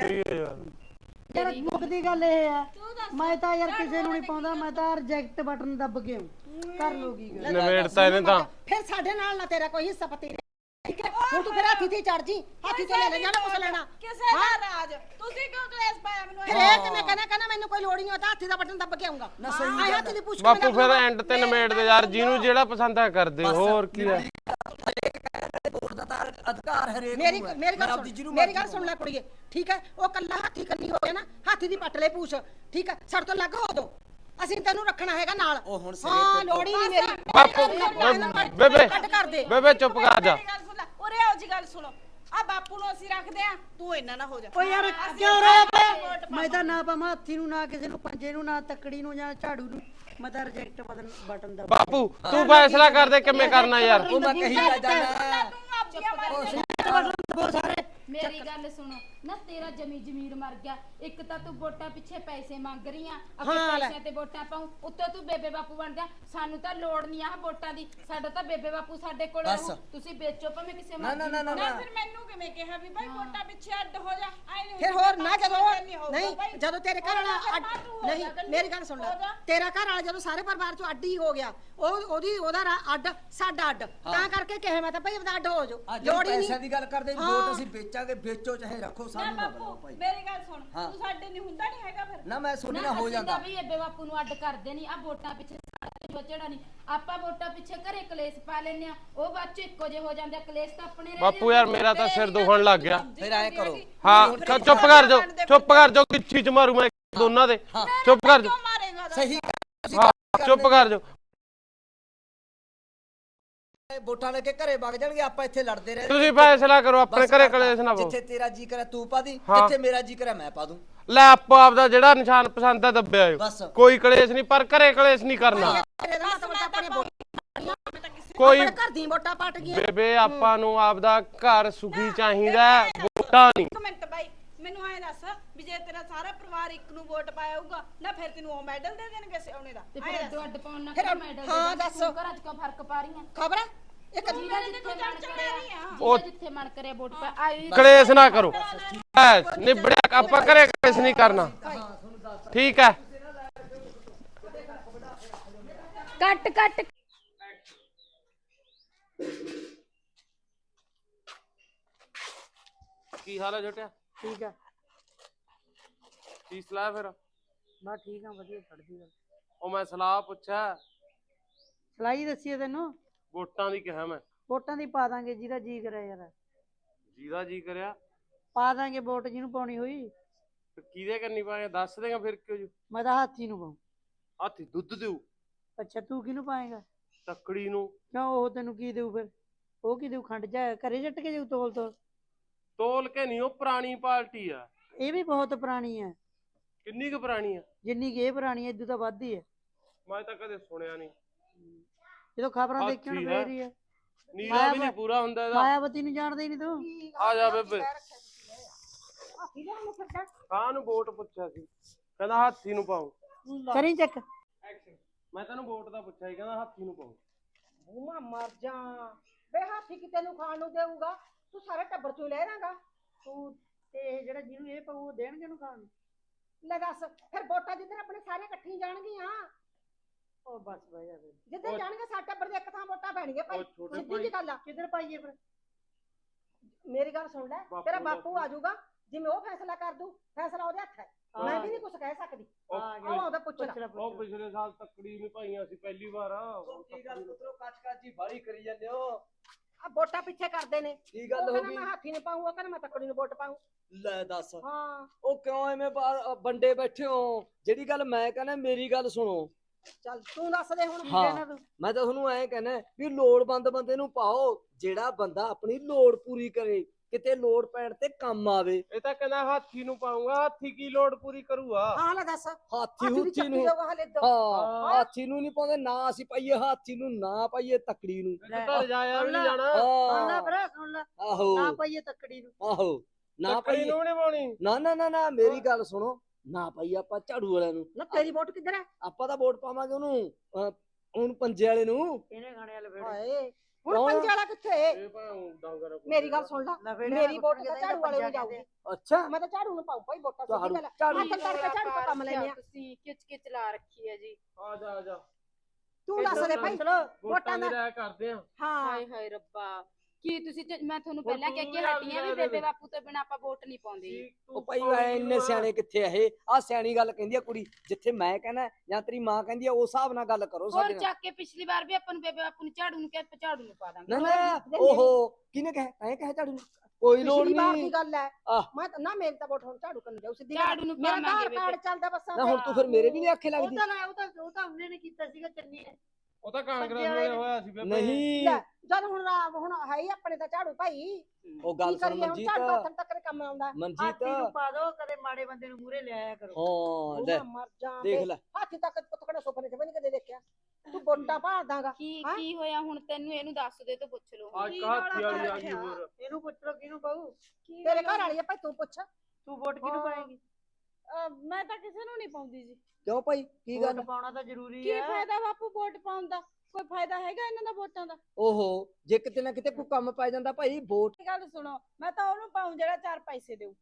Speaker 6: ਯਾਰ ਮੁੱਕਦੀ ਗੱਲ ਇਹ ਆ, ਮੈਂ ਤਾਂ ਯਾਰ ਕਿਸੇ ਨੂੰ ਨਹੀਂ ਪਾਉਂਦਾ, ਮੈਂ ਤਾਂ ਰਿਜੈਕਟ ਬਟਨ ਦੱਬ ਕੇ ਆਊਂ। ਕਰ ਲੋਗੀ ਗੱਲ।
Speaker 5: ਨਵੇੜਤਾ ਇਹਨੇ ਤਾਂ।
Speaker 2: ਫਿਰ ਸਾਡੇ ਨਾਲ ਨਾ ਤੇਰਾ ਕੋਈ ਹਿੱਸਾ ਪਤੀ ਨਹੀਂ। ਠੀਕ ਹੈ ਹੁਣ ਤੂੰ ਫਿਰ ਹਾਥੀ ਤੇ ਚੜ ਜੀ, ਹਾਥੀ ਤੇ ਲੈ ਲੈ ਜਾਣਾ ਕੁਛ ਲੈਣਾ।
Speaker 4: ਕਿਸੇ ਦਾ ਰਾਜ ਤੁਸੀਂ ਕਿਉਂ ਕਲੇਸ਼ ਪਾਇਆ ਮੈਨੂੰ?
Speaker 2: ਫਿਰ ਇਹ ਕਿਵੇਂ ਕਹਿੰਦਾ ਕਹਿੰਦਾ ਮੈਨੂੰ ਕੋਈ ਲੋੜ ਹੀ ਨਹੀਂ ਹੁੰਦਾ, ਹਾਥੀ ਦਾ ਬਟਨ ਦੱਬ ਕੇ ਆਉਂਗਾ। ਆਏ ਹਾਥੀ ਦੀ ਪੁੱਛ ਕੇ
Speaker 5: ਬਾਪੂ ਫਿਰ ਐਂਡ ਤੇ ਨਵੇੜ ਦੇ ਯਾਰ, ਜਿਹਨੂੰ ਜਿਹੜਾ ਪਸੰਦ ਆ ਕਰਦੇ ਹੋਰ ਕੀ ਆ।
Speaker 3: ਵੋਟ ਦਾ ਤਾਂ ਅਧਿਕਾਰ ਹਰੇਕ
Speaker 2: ਮੇਰੀ
Speaker 3: ਨੂੰ ਹੈ।
Speaker 2: ਮੇਰੀ ਗੱਲ
Speaker 3: ਆਪਦੀ
Speaker 2: ਸੁਣ
Speaker 3: ਜਿਹਨੂੰ
Speaker 2: ਮੇਰੀ
Speaker 3: ਮਰਜ਼ੀ
Speaker 2: ਗੱਲ ਸੁਣ ਲੈ ਕੁੜੀਏ, ਠੀਕ ਹੈ ਉਹ ਕੱਲਾ ਹਾਥੀ ਕੰਨੀ ਹੋ ਗਿਆ ਨਾ, ਹਾਥੀ ਦੀ ਪੱਟ ਲੈ ਪੂਛ, ਠੀਕ ਹੈ ਸਾਡੇ ਤੋਂ ਲੱਗ ਹੋ ਦੋ, ਅਸੀਂ ਤੈਨੂੰ ਰੱਖਣਾ ਹੈਗਾ ਨਾਲ।
Speaker 3: ਉਹ ਹੁਣ ਸਿਰੇ
Speaker 2: ਹਾਂ
Speaker 3: ਤੇ
Speaker 2: ਲੋੜ ਹੀ ਨਹੀਂ ਮੇਰੀ।
Speaker 5: ਬਾਪੂ ਬੇਬੇ
Speaker 2: ਕੱਟ ਕਰ ਦੇ।
Speaker 5: ਬੇਬੇ ਚੁੱਪ ਕਰ ਜਾ।
Speaker 4: ਮੇਰੀ ਗੱਲ ਸੁਣ ਲੈ, ਉਰੇ ਆਓ ਜੀ ਗੱਲ ਸੁਣੋ। ਆ ਬਾਪੂ ਨੂੰ ਅਸੀਂ ਰੱਖਦੇ ਆ, ਤੂੰ ਇੰਨਾ ਨਾ ਹੋ ਜਾ।
Speaker 6: ਓ ਯਾਰ ਕਿਉਂ ਰੋਇਆ ਪਿਆ? ਮੈਂ ਤਾਂ ਨਾ ਪਾਵਾਂ ਹਾਥੀ ਨੂੰ, ਨਾ ਕਿਸੇ ਨੂੰ ਪੰਜੇ ਨੂੰ, ਨਾ ਤੱਕੜੀ ਨੂੰ ਜਾਂ ਝਾੜੂ ਨੂੰ। ਮੈਂ ਤਾਂ ਰਿਜੈਕਟ ਬਟਨ ਬਟਨ ਦੱਬ।
Speaker 5: ਬਾਪੂ ਤੂੰ ਫੈਸਲਾ ਕਰ ਦੇ ਕਿਵੇਂ ਕਰਨਾ ਯਾਰ।
Speaker 3: ਉਹ ਮੈਂ ਕਹੀ ਤਾਂ ਜਾਣਾ।
Speaker 4: ਤੂੰ ਆਪਦੀਆਂ ਮਰਜ਼ੀ
Speaker 1: ਮੇਰੀ ਗੱਲ ਸੁਣੋ ਨਾ, ਤੇਰਾ ਜਮੀ ਜ਼ਮੀਰ ਮਰ ਗਿਆ। ਇੱਕ ਤਾਂ ਤੂੰ ਵੋਟਾਂ ਪਿੱਛੇ ਪੈਸੇ ਮੰਗ ਰਹੀ ਆ, ਅੱਗੇ ਪੈਸਿਆਂ ਤੇ ਵੋਟਾਂ ਪਾਉ, ਉੱਤੋਂ ਤੂੰ ਬੇਬੇ ਬਾਪੂ ਬਣ ਜਾ। ਸਾਨੂੰ ਤਾਂ ਲੋੜ ਨਹੀਂ ਆ ਵੋਟਾਂ ਦੀ, ਸਾਡਾ ਤਾਂ ਬੇਬੇ ਬਾਪੂ ਸਾਡੇ ਕੋਲ ਰਹੂ। ਤੁਸੀਂ ਵੇਚੋ ਭਾਵੇਂ ਕਿਸੇ
Speaker 3: ਨਾ ਨਾ ਨਾ ਨਾ
Speaker 4: ਨਾ ਫਿਰ ਮੈਨੂੰ ਕਿਵੇਂ ਕਿਹਾ ਵੀ ਭਾਈ ਵੋਟਾਂ ਪਿੱਛੇ ਅੱਡ ਹੋ ਜਾ? ਆਏ ਨਹੀਂ
Speaker 2: ਫਿਰ ਹੋਰ ਨਾ ਜਦੋਂ ਨਹੀਂ ਜਦੋਂ ਤੇਰੇ ਘਰ ਵਾਲਾ ਅੱਡ ਨਹੀਂ, ਮੇਰੀ ਗੱਲ ਸੁਣ ਲੈ, ਤੇਰਾ ਘਰ ਵਾਲਾ ਜਦੋਂ ਸਾਰੇ ਪਰਿਵਾਰ ਚੋਂ ਅੱਡ ਹੀ ਹੋ ਗਿਆ, ਉਹ ਉਹਦੀ ਉਹਦਾ ਰਾ- ਅੱਡ ਸਾਡਾ ਅੱਡ, ਤਾਂ ਕਰਕੇ ਕਹੇ ਮੈਂ ਤਾਂ ਭਾਈ ਉਹਦਾ ਅੱਡ ਹੋ ਜਾਓ।
Speaker 3: ਅੱਜ
Speaker 2: ਲੋੜ ਹੀ
Speaker 3: ਪੈਸਿਆਂ
Speaker 2: ਨਹੀਂ।
Speaker 3: ਦੀ ਗੱਲ ਕਰਦੇ ਵੋਟ ਅਸੀਂ ਵੇਚਾਂਗੇ, ਵੇਚੋ ਚਾਹੇ ਰੱਖੋ,
Speaker 4: ਨਾ
Speaker 3: ਸਾਨੂੰ ਨਾ ਬੁਲਾਓ
Speaker 4: ਬਾਪੂ
Speaker 3: ਭਾਈ।
Speaker 4: ਮੇਰੀ ਗੱਲ ਸੁਣ,
Speaker 3: ਹਾਂ।
Speaker 4: ਤੂੰ ਸਾਡੇ ਨਹੀਂ ਹੁੰਦਾ ਨਹੀਂ ਹੈਗਾ ਫਿਰ।
Speaker 3: ਨਾ ਮੈਂ ਸੁਣੀ
Speaker 1: ਨਾ
Speaker 3: ਨਾ ਹੋ
Speaker 1: ਅਸੀਂ
Speaker 3: ਜਾਂਦਾ।
Speaker 1: ਤਾਂ ਵੀ ਬੇਬੇ ਬਾਪੂ ਨੂੰ ਅੱਡ ਕਰਦੇ ਨਹੀਂ, ਆ ਵੋਟਾਂ ਪਿੱਛੇ ਸਾਡਾ ਝੜਾ ਨਹੀਂ। ਆਪਾਂ ਵੋਟਾਂ ਪਿੱਛੇ ਘਰੇ ਕਲੇਸ਼ ਪਾ ਲੈਨੇ ਆ, ਉਹ ਬਾਅਦ ਚ ਇੱਕੋ ਜਿਹੇ ਹੋ ਜਾਂਦੇ ਆ, ਕਲੇਸ਼ ਤਾਂ ਆਪਣੇ ਰਹਿ
Speaker 5: ਬਾਪੂ ਯਾਰ ਮੇਰਾ ਤਾਂ ਸਿਰ ਦੁਖਣ ਲੱਗ ਗਿਆ।
Speaker 3: ਫਿਰ ਐਂ ਕਰੋ।
Speaker 5: ਹਾਂ ਚ- ਚੁੱਪ ਕਰ ਜਾਓ, ਚੁੱਪ ਕਰ ਜਾਓ, ਕਿੱਛੀ ਚ ਮਾਰੂ ਮੈਂ ਦੋਨਾਂ ਦੇ। ਚੁੱਪ ਕਰ ਜਾਓ,
Speaker 4: ਕਿਉਂ ਮਾਰੇਗਾ?
Speaker 3: ਸਹੀ
Speaker 5: ਹਾਂ ਚੁੱਪ ਕਰ ਜਾਓ।
Speaker 3: ਵੋਟਾਂ ਲੈ ਕੇ ਘਰੇ ਵਗ ਜਾਣਗੇ, ਆਪਾਂ ਇੱਥੇ ਲੜਦੇ ਰਹੇ।
Speaker 5: ਤੁਸੀਂ ਫੈਸਲਾ ਕਰੋ, ਆਪਣੇ ਘਰੇ ਕਲੇਸ਼ ਨਾ ਪਾਓ।
Speaker 3: ਜਿੱਥੇ ਤੇਰਾ ਜੀ ਕਰੇ ਤੂੰ ਪਾ ਦੀ,
Speaker 5: ਹਾਂ।
Speaker 3: ਜਿੱਥੇ ਮੇਰਾ ਜੀ ਕਰੇ ਮੈਂ ਪਾ ਦੂੰ।
Speaker 5: ਲੈ ਆਪੋ ਆਪਦਾ ਜਿਹੜਾ ਨਿਸ਼ਾਨ ਪਸੰਦ ਆ ਦੱਬਿਆ
Speaker 3: ਬਸ।
Speaker 5: ਆਇਓ, ਕੋਈ ਕਲੇਸ਼ ਨਹੀਂ, ਪਰ ਘਰੇ ਕਲੇਸ਼ ਨਹੀਂ ਕਰਨਾ।
Speaker 2: ਇਹਦਾ ਮਤਲਬ ਤਾਂ ਆਪਣੇ ਵੋਟ-
Speaker 5: ਕੋਈ
Speaker 2: ਆਪਣੇ ਘਰ ਦੀ ਵੋਟਾਂ ਪੱਟ ਗਈਆਂ।
Speaker 5: ਬੇਬੇ ਆਪਾਂ ਨੂੰ ਆਪਦਾ ਘਰ ਸੁਖੀ ਚਾਹੀਦਾ, ਵੋਟਾਂ ਨਹੀਂ।
Speaker 4: ਇੱਕ ਮਿੰਟ ਬਾਈ, ਮੈਨੂੰ ਐ ਦੱਸ ਵੀ ਜੇ ਤੇਰਾ ਸਾਰਾ ਪਰਿਵਾਰ ਇੱਕ ਨੂੰ ਵੋਟ ਪਾਇਆ ਹੋਊਗਾ ਨਾ, ਫਿਰ ਤੈਨੂੰ ਉਹ ਮੈਡਲ ਦੇ ਦੇਣਗੇ ਸੋਨੇ ਦਾ?
Speaker 1: ਤੇ ਫਿਰ ਅੱਡੋ ਅੱਡ ਪਾਉਣ ਨਾਲ
Speaker 2: ਫਿਰ
Speaker 1: ਕਿਹੜਾ ਮੈਡਲ
Speaker 2: ਹਾਂ,
Speaker 1: ਦੇ
Speaker 2: ਦੱਸ।
Speaker 1: ਤੂੰ ਘਰਾਂ ਚ ਕਿਉਂ ਫਰਕ ਪਾ ਰਹੀ ਆ?
Speaker 2: ਖਬਰ ਹੈ ਇੱਕ
Speaker 1: ਜਿਹਦਾ ਜਿੱਥੇ ਮਨ ਕਰਿਆ
Speaker 5: ਉਹ-
Speaker 1: ਜਿਹਦਾ ਜਿੱਥੇ ਮਨ ਕਰਿਆ ਵੋਟ ਪਾ ਆਈ।
Speaker 5: ਕਲੇਸ਼ ਨਾ ਕਰੋ, ਬਸ ਨਿਬੜਿਆ, ਆਪਾਂ ਘਰੇ ਕਲੇਸ਼ ਨਹੀਂ ਕਰਨਾ। ਠੀਕ ਹੈ।
Speaker 1: ਕੱਟ ਕੱਟ
Speaker 5: ਕੀ ਹਾਲ ਹੈ ਛੋਟਿਆ?
Speaker 6: ਠੀਕ ਆ,
Speaker 5: ਕੀ ਸਲਾਹ ਫਿਰ?
Speaker 6: ਬਸ ਠੀਕ ਆ, ਵਧੀਆ ਛੱਡਦੀ ਗੱਲ।
Speaker 5: ਉਹ ਮੈਂ ਸਲਾਹ ਪੁੱਛਿਆ,
Speaker 6: ਸਲਾਈ ਦੱਸੀ ਆ ਤੈਨੂੰ?
Speaker 5: ਵੋਟਾਂ ਦੀ ਕਿਹਾ ਮੈਂ।
Speaker 6: ਵੋਟਾਂ ਦੀ ਪਾ ਦਾਂਗੇ ਜਿਹਦਾ ਜੀ ਕਰੇ ਯਾਰ,
Speaker 5: ਜਿਹਦਾ ਜੀ ਕਰਿਆ।
Speaker 6: ਪਾ ਦਾਂਗੇ ਵੋਟ ਜਿਹਨੂੰ ਪਾਉਣੀ ਹੋਈ।
Speaker 5: ਤੇ ਕਿਹਦੇ ਕਰਨੀ ਪਾਏ ਦੱਸ ਦੇਗਾ ਫਿਰ ਕਿਉਂ ਜੀ।
Speaker 6: ਮੈਂ ਤਾਂ ਹਾਥੀ ਨੂੰ ਪਾਉਂ।
Speaker 5: ਹਾਥੀ ਦੁੱਧ ਦਿਓ,
Speaker 6: ਅੱਛਾ ਤੂੰ ਕਿਹਨੂੰ ਪਾਏਗਾ?
Speaker 5: ਤੱਕੜੀ ਨੂੰ।
Speaker 6: ਕਿਉਂ ਉਹ ਤੈਨੂੰ ਕੀ ਦੇਊ ਫਿਰ? ਉਹ ਕੀ ਦੇਊ? ਖੰਡ ਜਾ ਘਰੇ ਜੱਟ ਕੇ ਜਾਊ ਤੋਲ ਤੋਲ।
Speaker 5: ਤੋਲ ਕੇ ਨਹੀਂ, ਉਹ ਪੁਰਾਣੀ ਪਾਰਟੀ ਆ।
Speaker 6: ਇਹ ਵੀ ਬਹੁਤ ਪੁਰਾਣੀ ਹੈ,
Speaker 5: ਕਿੰਨੀ ਕੁ ਪੁਰਾਣੀ ਆ?
Speaker 6: ਜਿੰਨੀ ਕਿ ਇਹ ਪੁਰਾਣੀ ਹੈ ਇਦੋਂ ਤਾਂ ਵੱਧ ਹੀ ਹੈ।
Speaker 5: ਮੈਂ ਤਾਂ ਕਦੇ ਸੁਣਿਆ ਨਹੀਂ।
Speaker 6: ਜਦੋਂ ਖਬਰਾਂ
Speaker 5: ਹਾਥੀ
Speaker 6: ਦੇਖਣ
Speaker 5: ਹੈ।
Speaker 6: ਫੇਰ ਹੀ ਹੈ।
Speaker 5: ਨੀਰਾ ਵੀ ਨਹੀਂ ਪੂਰਾ ਹੁੰਦਾ ਇਹਦਾ।
Speaker 6: ਮਾਇਆਵਤੀ ਨੂੰ ਜਾਣਦਾ ਹੀ ਨਹੀਂ ਤੂੰ।
Speaker 5: ਆ ਜਾ ਬੇਬੇ।
Speaker 2: ਹਾਥੀ ਲਿਆ ਨੂੰ ਫਿਰਦਾ
Speaker 5: ਕਾਹ ਨੂੰ ਵੋਟ ਪੁੱਛਿਆ ਸੀ, ਕਹਿੰਦਾ ਹਾਥੀ ਨੂੰ ਪਾਉ।
Speaker 6: ਕਰੀ ਚੱਕ।
Speaker 5: ਮੈਂ ਤੈਨੂੰ ਵੋਟ ਦਾ ਪੁੱਛਿਆ ਸੀ, ਕਹਿੰਦਾ ਹਾਥੀ ਨੂੰ ਪਾਉ।
Speaker 2: ਮੂੰਹਾਂ ਮਰ ਜਾ ਬੇ, ਹਾਥੀ ਕਿਤੇ ਨੂੰ ਖਾਣ ਨੂੰ ਦੇਊਗਾ? ਤੂੰ ਸਾਰੇ ਟੱਬਰ ਚੋਂ ਲੈ ਲਾਂਗਾ।
Speaker 6: ਤੂੰ ਤੇ ਇਹ ਜਿਹੜਾ ਜਿਹਨੂੰ ਇਹ ਪਊ ਉਹ ਦੇਣਗੇ ਨੂੰ ਖਾਣ ਨੂੰ।
Speaker 2: ਲੈ ਦੱਸ ਫਿਰ ਵੋਟਾਂ ਜਿੱਧਰ ਆਪਣੇ ਸਾਰੇ ਇਕੱਠੀ ਜਾਣਗੀਆਂ,
Speaker 6: ਉਹ ਬਸ ਬਹਿ ਜਾ ਫਿਰ।
Speaker 2: ਜਿੱਧਰ
Speaker 5: ਉਹ-
Speaker 2: ਜਾਣਗੇ ਸਾਡੇ ਟੱਬਰ ਦੇ ਇੱਕ ਥਾਂ ਵੋਟਾਂ ਪੈਣਗੀਆਂ ਭਾਈ।
Speaker 5: ਉਹ ਛੋਟੇ
Speaker 2: ਸਿੱਧੀ ਜੀ ਗੱਲ ਆ।
Speaker 6: ਕਿੱਧਰ ਪਾਈਏ ਫਿਰ?
Speaker 2: ਮੇਰੀ ਗੱਲ ਸੁਣ ਲੈ,
Speaker 5: ਬਾਪੂ
Speaker 2: ਤੇਰਾ
Speaker 5: ਦਾ
Speaker 2: ਬਾਪੂ ਆ ਜਾਊਗਾ, ਜਿਵੇਂ ਉਹ ਫੈਸਲਾ ਕਰ ਦੂ, ਫੈਸਲਾ ਉਹਦੇ ਹੱਥ ਹੈ। ਮੈਂ ਵੀ ਨਹੀਂ ਕੁਝ ਕਹਿ ਸਕਦੀ।
Speaker 5: ਉਹ-
Speaker 6: ਆ
Speaker 2: ਉਹ ਆਉਂਦਾ ਪੁੱਛ ਲੈ।
Speaker 6: ਪੁੱਛ ਲੈ,
Speaker 5: ਉਹ
Speaker 6: ਪੁੱਛ ਲੈ।
Speaker 5: ਪਿਛਲੇ ਸਾਲ ਤੱਕੜੀ ਨੂੰ ਭਾਈਆਂ ਸੀ ਪਹਿਲੀ ਵਾਰ ਆ।
Speaker 3: ਕੀ ਗੱਲ ਪੁੱਤਰੋ ਕੱਚ ਕੱਚ ਹੀ ਬਾਲੀ ਕਰੀ ਜਾਂਦੇ ਹੋ?
Speaker 2: ਆ ਵੋਟਾਂ ਪਿੱਛੇ ਕਰਦੇ ਨੇ।
Speaker 3: ਕੀ
Speaker 2: ਉਹ
Speaker 3: ਗੱਲ ਹੋ
Speaker 2: ਕਹਿੰਦਾ
Speaker 3: ਗਈ?
Speaker 2: ਮੈਂ ਹਾਥੀ ਨੂੰ ਪਾਊਂ, ਉਹ ਕਹਿੰਦਾ ਮੈਂ ਤੱਕੜੀ ਨੂੰ ਵੋਟ ਪਾਊਂ।
Speaker 3: ਲੈ ਦੱਸ,
Speaker 2: ਹਾਂ
Speaker 3: ਉਹ ਕਿਉਂ ਐਵੇਂ ਬਾ- ਬੰਡੇ ਬੈਠੇ ਹੋ? ਜਿਹੜੀ ਗੱਲ ਮੈਂ ਕਹਿੰਦਾ ਮੇਰੀ ਗੱਲ ਸੁਣੋ।
Speaker 2: ਚੱਲ ਤੂੰ ਦੱਸ ਦੇ ਹੁਣ।
Speaker 3: ਹਾਂ।
Speaker 6: ਕਹਿਣਾ ਤੂੰ?
Speaker 3: ਮੈਂ ਤਾਂ ਤੁਹਾਨੂੰ ਐਂ ਕਹਿੰਦਾ ਵੀ ਲੋੜਵੰਦ ਬੰਦੇ ਨੂੰ ਪਾਓ, ਜਿਹੜਾ ਬੰਦਾ ਆਪਣੀ ਲੋੜ ਪੂਰੀ ਕਰੇ, ਕਿਤੇ ਲੋੜ ਪੈਣ ਤੇ ਕੰਮ ਆਵੇ।
Speaker 5: ਇਹ ਤਾਂ ਕਹਿੰਦਾ ਹਾਥੀ ਨੂੰ ਪਾਉਂਗਾ। ਹਾਥੀ ਕੀ ਲੋੜ ਪੂਰੀ ਕਰੂਗਾ?
Speaker 2: ਹਾਂ ਲੈ ਦੱਸ।
Speaker 3: ਹਾਥੀ
Speaker 2: ਹਾਥੀ ਦੀ
Speaker 3: ਹੁੱਥੀ
Speaker 2: ਚੱਕੀ
Speaker 3: ਨੂੰ
Speaker 2: ਜਾਊਗਾ ਹਲੇ ਦੋ।
Speaker 3: ਹਾਂ, ਹਾਥੀ ਨੂੰ ਨਹੀਂ ਪਾਉਂਦੇ ਨਾ, ਅਸੀਂ ਪਾਈਏ ਹਾਥੀ ਨੂੰ, ਨਾ ਪਾਈਏ ਤਕੜੀ ਨੂੰ।
Speaker 5: ਤੂੰ ਤਾਂ ਰਜਾਇਆ ਵੀ ਨਹੀਂ ਜਾਣਾ।
Speaker 6: ਸੁਣ ਲੈ
Speaker 3: ਹਾਂ,
Speaker 6: ਵੀਰੇ, ਸੁਣ ਲੈ।
Speaker 3: ਆਹੋ
Speaker 6: ਨਾ ਪਾਈਏ ਤੱਕੜੀ ਨੂੰ।
Speaker 3: ਆਹੋ, ਨਾ
Speaker 5: ਤੱਕੜੀ
Speaker 3: ਪਾਈਏ।
Speaker 5: ਨੂੰ ਨਹੀਂ ਪਾਉਣੀ।
Speaker 3: ਨਾ ਨਾ ਨਾ ਨਾ, ਮੇਰੀ ਗੱਲ ਸੁਣੋ, ਨਾ ਪਾਈਏ ਆਪਾਂ ਝਾੜੂ ਵਾਲਿਆਂ ਨੂੰ।
Speaker 2: ਨਾ ਤੇਰੀ ਵੋਟ ਕਿੱਧਰ ਹੈ?
Speaker 3: ਆਪਾਂ ਤਾਂ ਵੋਟ ਪਾਵਾਂਗੇ ਉਹਨੂੰ, ਅਹ, ਉਹਨੂੰ ਪੰਜੇ ਵਾਲੇ ਨੂੰ।
Speaker 6: ਇਹਨੇ ਖਾਣੇ ਵਾਲੇ ਵੇੜੇ।
Speaker 2: ਹਾਏ ਹੁਣ
Speaker 3: ਕੌਣ?
Speaker 2: ਪੰਜੇ ਵਾਲਾ ਕਿੱਥੇ?
Speaker 5: ਇਹ ਭਾਵੇਂ ਡਾਂਗਰ
Speaker 2: ਮੇਰੀ ਗੱਲ ਸੁਣ ਲੈ,
Speaker 6: ਲਵੇੜੇ
Speaker 2: ਮੇਰੀ ਵੋਟ
Speaker 6: ਵਾਲੇ
Speaker 2: ਤਾਂ ਝਾੜੂ ਵਾਲੇ ਨੂੰ ਜਾਊਗੀ।
Speaker 3: ਅੱਛਾ,
Speaker 2: ਮੈਂ ਤਾਂ ਝਾੜੂ ਨੂੰ ਪਾਉਂ ਭਾਈ ਵੋਟਾਂ।
Speaker 3: ਝਾੜੂ-
Speaker 2: ਸਿੱਧੀ ਗੱਲ
Speaker 3: ਝਾੜੂ।
Speaker 2: ਹੱਥ ਤੜਕੇ ਝਾੜੂ ਤੋਂ ਕੰਮ ਲੈਣੇ ਆ।
Speaker 1: ਤੁਸੀਂ ਕਿਚ ਕਿਚ ਲਾ ਰੱਖੀ ਹੈ ਜੀ।
Speaker 5: ਆ ਜਾ ਆ ਜਾ।
Speaker 2: ਤੂੰ ਦੱਸ ਦੇ ਭਾਈ
Speaker 5: ਵੋਟਾਂ
Speaker 2: ਵੋਟਾਂ
Speaker 5: ਦੀ
Speaker 2: ਦਾ।
Speaker 5: ਰਾਇ ਕਰਦੇ ਆ।
Speaker 2: ਹਾਂ
Speaker 1: ਹਾਏ ਹਾਏ ਰੱਬਾ, ਕੀ ਤੁਸੀਂ ਚ- ਮੈਂ ਤੁਹਾਨੂੰ
Speaker 5: ਹੁਣ
Speaker 1: ਪਹਿਲਾਂ
Speaker 5: ਤੂੰ
Speaker 1: ਕਹਿ ਕੇ
Speaker 5: ਵੀ ਆ
Speaker 1: ਹਟੀ ਆ ਵੀ
Speaker 5: ਜਾ
Speaker 1: ਬੇਬੇ
Speaker 5: ਦੇ।
Speaker 1: ਬਾਪੂ ਤੋਂ ਬਿਨਾਂ ਆਪਾਂ ਵੋਟ ਨਹੀਂ ਪਾਉਂਦੇ ਜੀ।
Speaker 3: ਉਹ ਭਾਈ ਐ ਇੰਨੇ ਸਿਆਣੇ ਕਿੱਥੇ ਆ ਇਹ? ਆ ਸਿਆਣੀ ਗੱਲ ਕਹਿੰਦੀ ਆ ਕੁੜੀ, ਜਿੱਥੇ ਮੈਂ ਕਹਿੰਦਾ ਜਾਂ ਤੇਰੀ ਮਾਂ ਕਹਿੰਦੀ ਆ ਉਸ ਹਿਸਾਬ ਨਾਲ ਗੱਲ ਕਰੋ
Speaker 1: ਹੋਰ
Speaker 3: ਸਾਡੇ ਨਾਲ।
Speaker 1: ਚੱਕ ਕੇ ਪਿਛਲੀ ਵਾਰ ਵੀ ਆਪਾਂ ਨੂੰ ਬੇਬੇ ਬਾਪੂ ਨੂੰ ਝਾੜੂ ਨੂੰ ਕਹਿ ਝਾੜੂ ਨੂੰ ਪਾ ਦਾਂਗੇ।
Speaker 3: ਨਾ ਨਾ, ਓਹੋ ਕਿਹਨੇ ਕਹੇ ਐ ਕਹੇ ਝਾੜੂ ਨੂੰ? ਕੋਈ ਲੋੜ
Speaker 2: ਪਿਛਲੀ ਵਾਰ ਦੀ
Speaker 3: ਨਹੀਂ।
Speaker 2: ਗੱਲ ਹੈ।
Speaker 3: ਆਹ।
Speaker 2: ਮੈਂ ਤਾਂ ਨਾ ਮੇਰੀ ਤਾਂ ਵੋਟ ਹੁਣ ਝਾੜੂ ਕਰਨ ਜਾਊ ਸਿੱਧੀ ਗੱਲ।
Speaker 1: ਝਾੜੂ ਨੂੰ
Speaker 2: ਮੇਰਾ
Speaker 1: ਪਾਵਾਂਗੇ
Speaker 2: ਆਧਾਰ ਕਾਰਡ
Speaker 1: ਬੇਬੇ।
Speaker 2: ਚੱਲਦਾ ਬੱਸਾਂ
Speaker 3: ਨਾ ਹੁਣ ਤੂੰ ਫਿਰ ਮੇਰੇ ਵੀ ਨਹੀਂ ਆਖੇ
Speaker 6: ਉਹ
Speaker 3: ਲੱਗਦੀ।
Speaker 6: ਤਾਂ ਨਾ, ਉਹ ਤਾਂ ਉਹ ਤਾਂ ਉਹਨੇ ਨੇ ਕੀਤਾ ਸੀਗਾ ਚੰਨੀ ਨੇ।
Speaker 5: ਉਹ ਤਾਂ ਕਾਂਗਰਸ ਵੇਲੇ ਹੋਇਆ ਸੀ ਬੇਬੇ।
Speaker 3: ਨਹੀਂ,
Speaker 2: ਲੈ, ਜਦ ਹੁਣ ਰਾ- ਹੁਣ ਹੈ ਹੀ ਆਪਣੇ ਤਾਂ ਝਾੜੂ ਭਾਈ।
Speaker 3: ਉਹ ਗੱਲ
Speaker 2: ਕੀ
Speaker 3: ਸੁਣ
Speaker 2: ਕਰੀਏ ਹੁਣ,
Speaker 3: ਮਨਜੀਤ,
Speaker 2: ਝਾੜੂ ਹੱਥਾਂ ਤੱਕ ਕੰਮ ਆਉਂਦਾ।
Speaker 3: ਮਨਜੀਤ
Speaker 6: ਹਾਥੀ ਨੂੰ ਪਾ ਦੋ, ਕਦੇ ਮਾੜੇ ਬੰਦੇ ਨੂੰ ਮੂਹਰੇ ਲਿਆਇਆ ਕਰੋ।
Speaker 3: ਹਾਂ ਲੈ
Speaker 2: ਮੂੰਹਾਂ ਮਰ ਜਾ
Speaker 3: ਦੇਖ
Speaker 2: ਬੇ।
Speaker 3: ਲੈ।
Speaker 2: ਹਾਥੀ ਤੱਕ ਪੁੱਤ ਖੜਾ ਸੁਪਨੇ ਚ ਵੀ ਨਹੀਂ ਕਦੇ ਦੇਖਿਆ। ਤੂੰ ਵੋਟਾਂ ਭਾਲ ਦਾਂਗਾ।
Speaker 1: ਕੀ
Speaker 2: ਹੈਂ?
Speaker 1: ਕੀ ਹੋਇਆ ਹੁਣ ਤੈਨੂੰ? ਇਹਨੂੰ ਦੱਸ ਦੇ ਤੇ ਪੁੱਛ ਲਓ।
Speaker 5: ਅੱਜ ਹਾਥੀ ਵਾਲੀ ਆ ਗਈ ਹੋਰ।
Speaker 6: ਇਹਨੂੰ ਪੁੱਛ ਲੋ ਕਿਹਨੂੰ ਪਾਉ?
Speaker 2: ਤੇਰੇ ਘਰ ਵਾਲੀ ਆ ਭਾਈ, ਤੂੰ ਪੁੱਛ।
Speaker 6: ਤੂੰ ਵੋਟ ਕਿਹਨੂੰ
Speaker 2: ਹਾਂ।
Speaker 6: ਪਾਏਂਗੀ?
Speaker 4: ਮੈਂ ਤਾਂ ਕਿਸੇ ਨੂੰ ਨਹੀਂ ਪਾਉਂਦੀ ਜੀ।
Speaker 3: ਕਿਉਂ ਭਾਈ, ਕੀ ਗੱਲ?
Speaker 6: ਵੋਟ ਪਾਉਣਾ ਤਾਂ ਜ਼ਰੂਰੀ
Speaker 4: ਕੀ
Speaker 6: ਹੈ।
Speaker 4: ਫਾਇਦਾ ਬਾਪੂ ਵੋਟ ਪਾਉਣ ਦਾ? ਕੋਈ ਫਾਇਦਾ ਹੈਗਾ ਇਹਨਾਂ ਦਾ ਵੋਟਾਂ ਦਾ?
Speaker 3: ਓਹੋ, ਜੇ ਕਿਤੇ ਨਾ ਕਿਤੇ ਕੋਈ ਕੰਮ ਪੈ ਜਾਂਦਾ ਭਾਈ ਵੋਟ।
Speaker 4: ਇਹ ਗੱਲ ਸੁਣੋ, ਮੈਂ ਤਾਂ ਉਹਨੂੰ ਪਾਉਂ ਜਿਹੜਾ ਚਾਰ ਪੈਸੇ ਦੇਊ।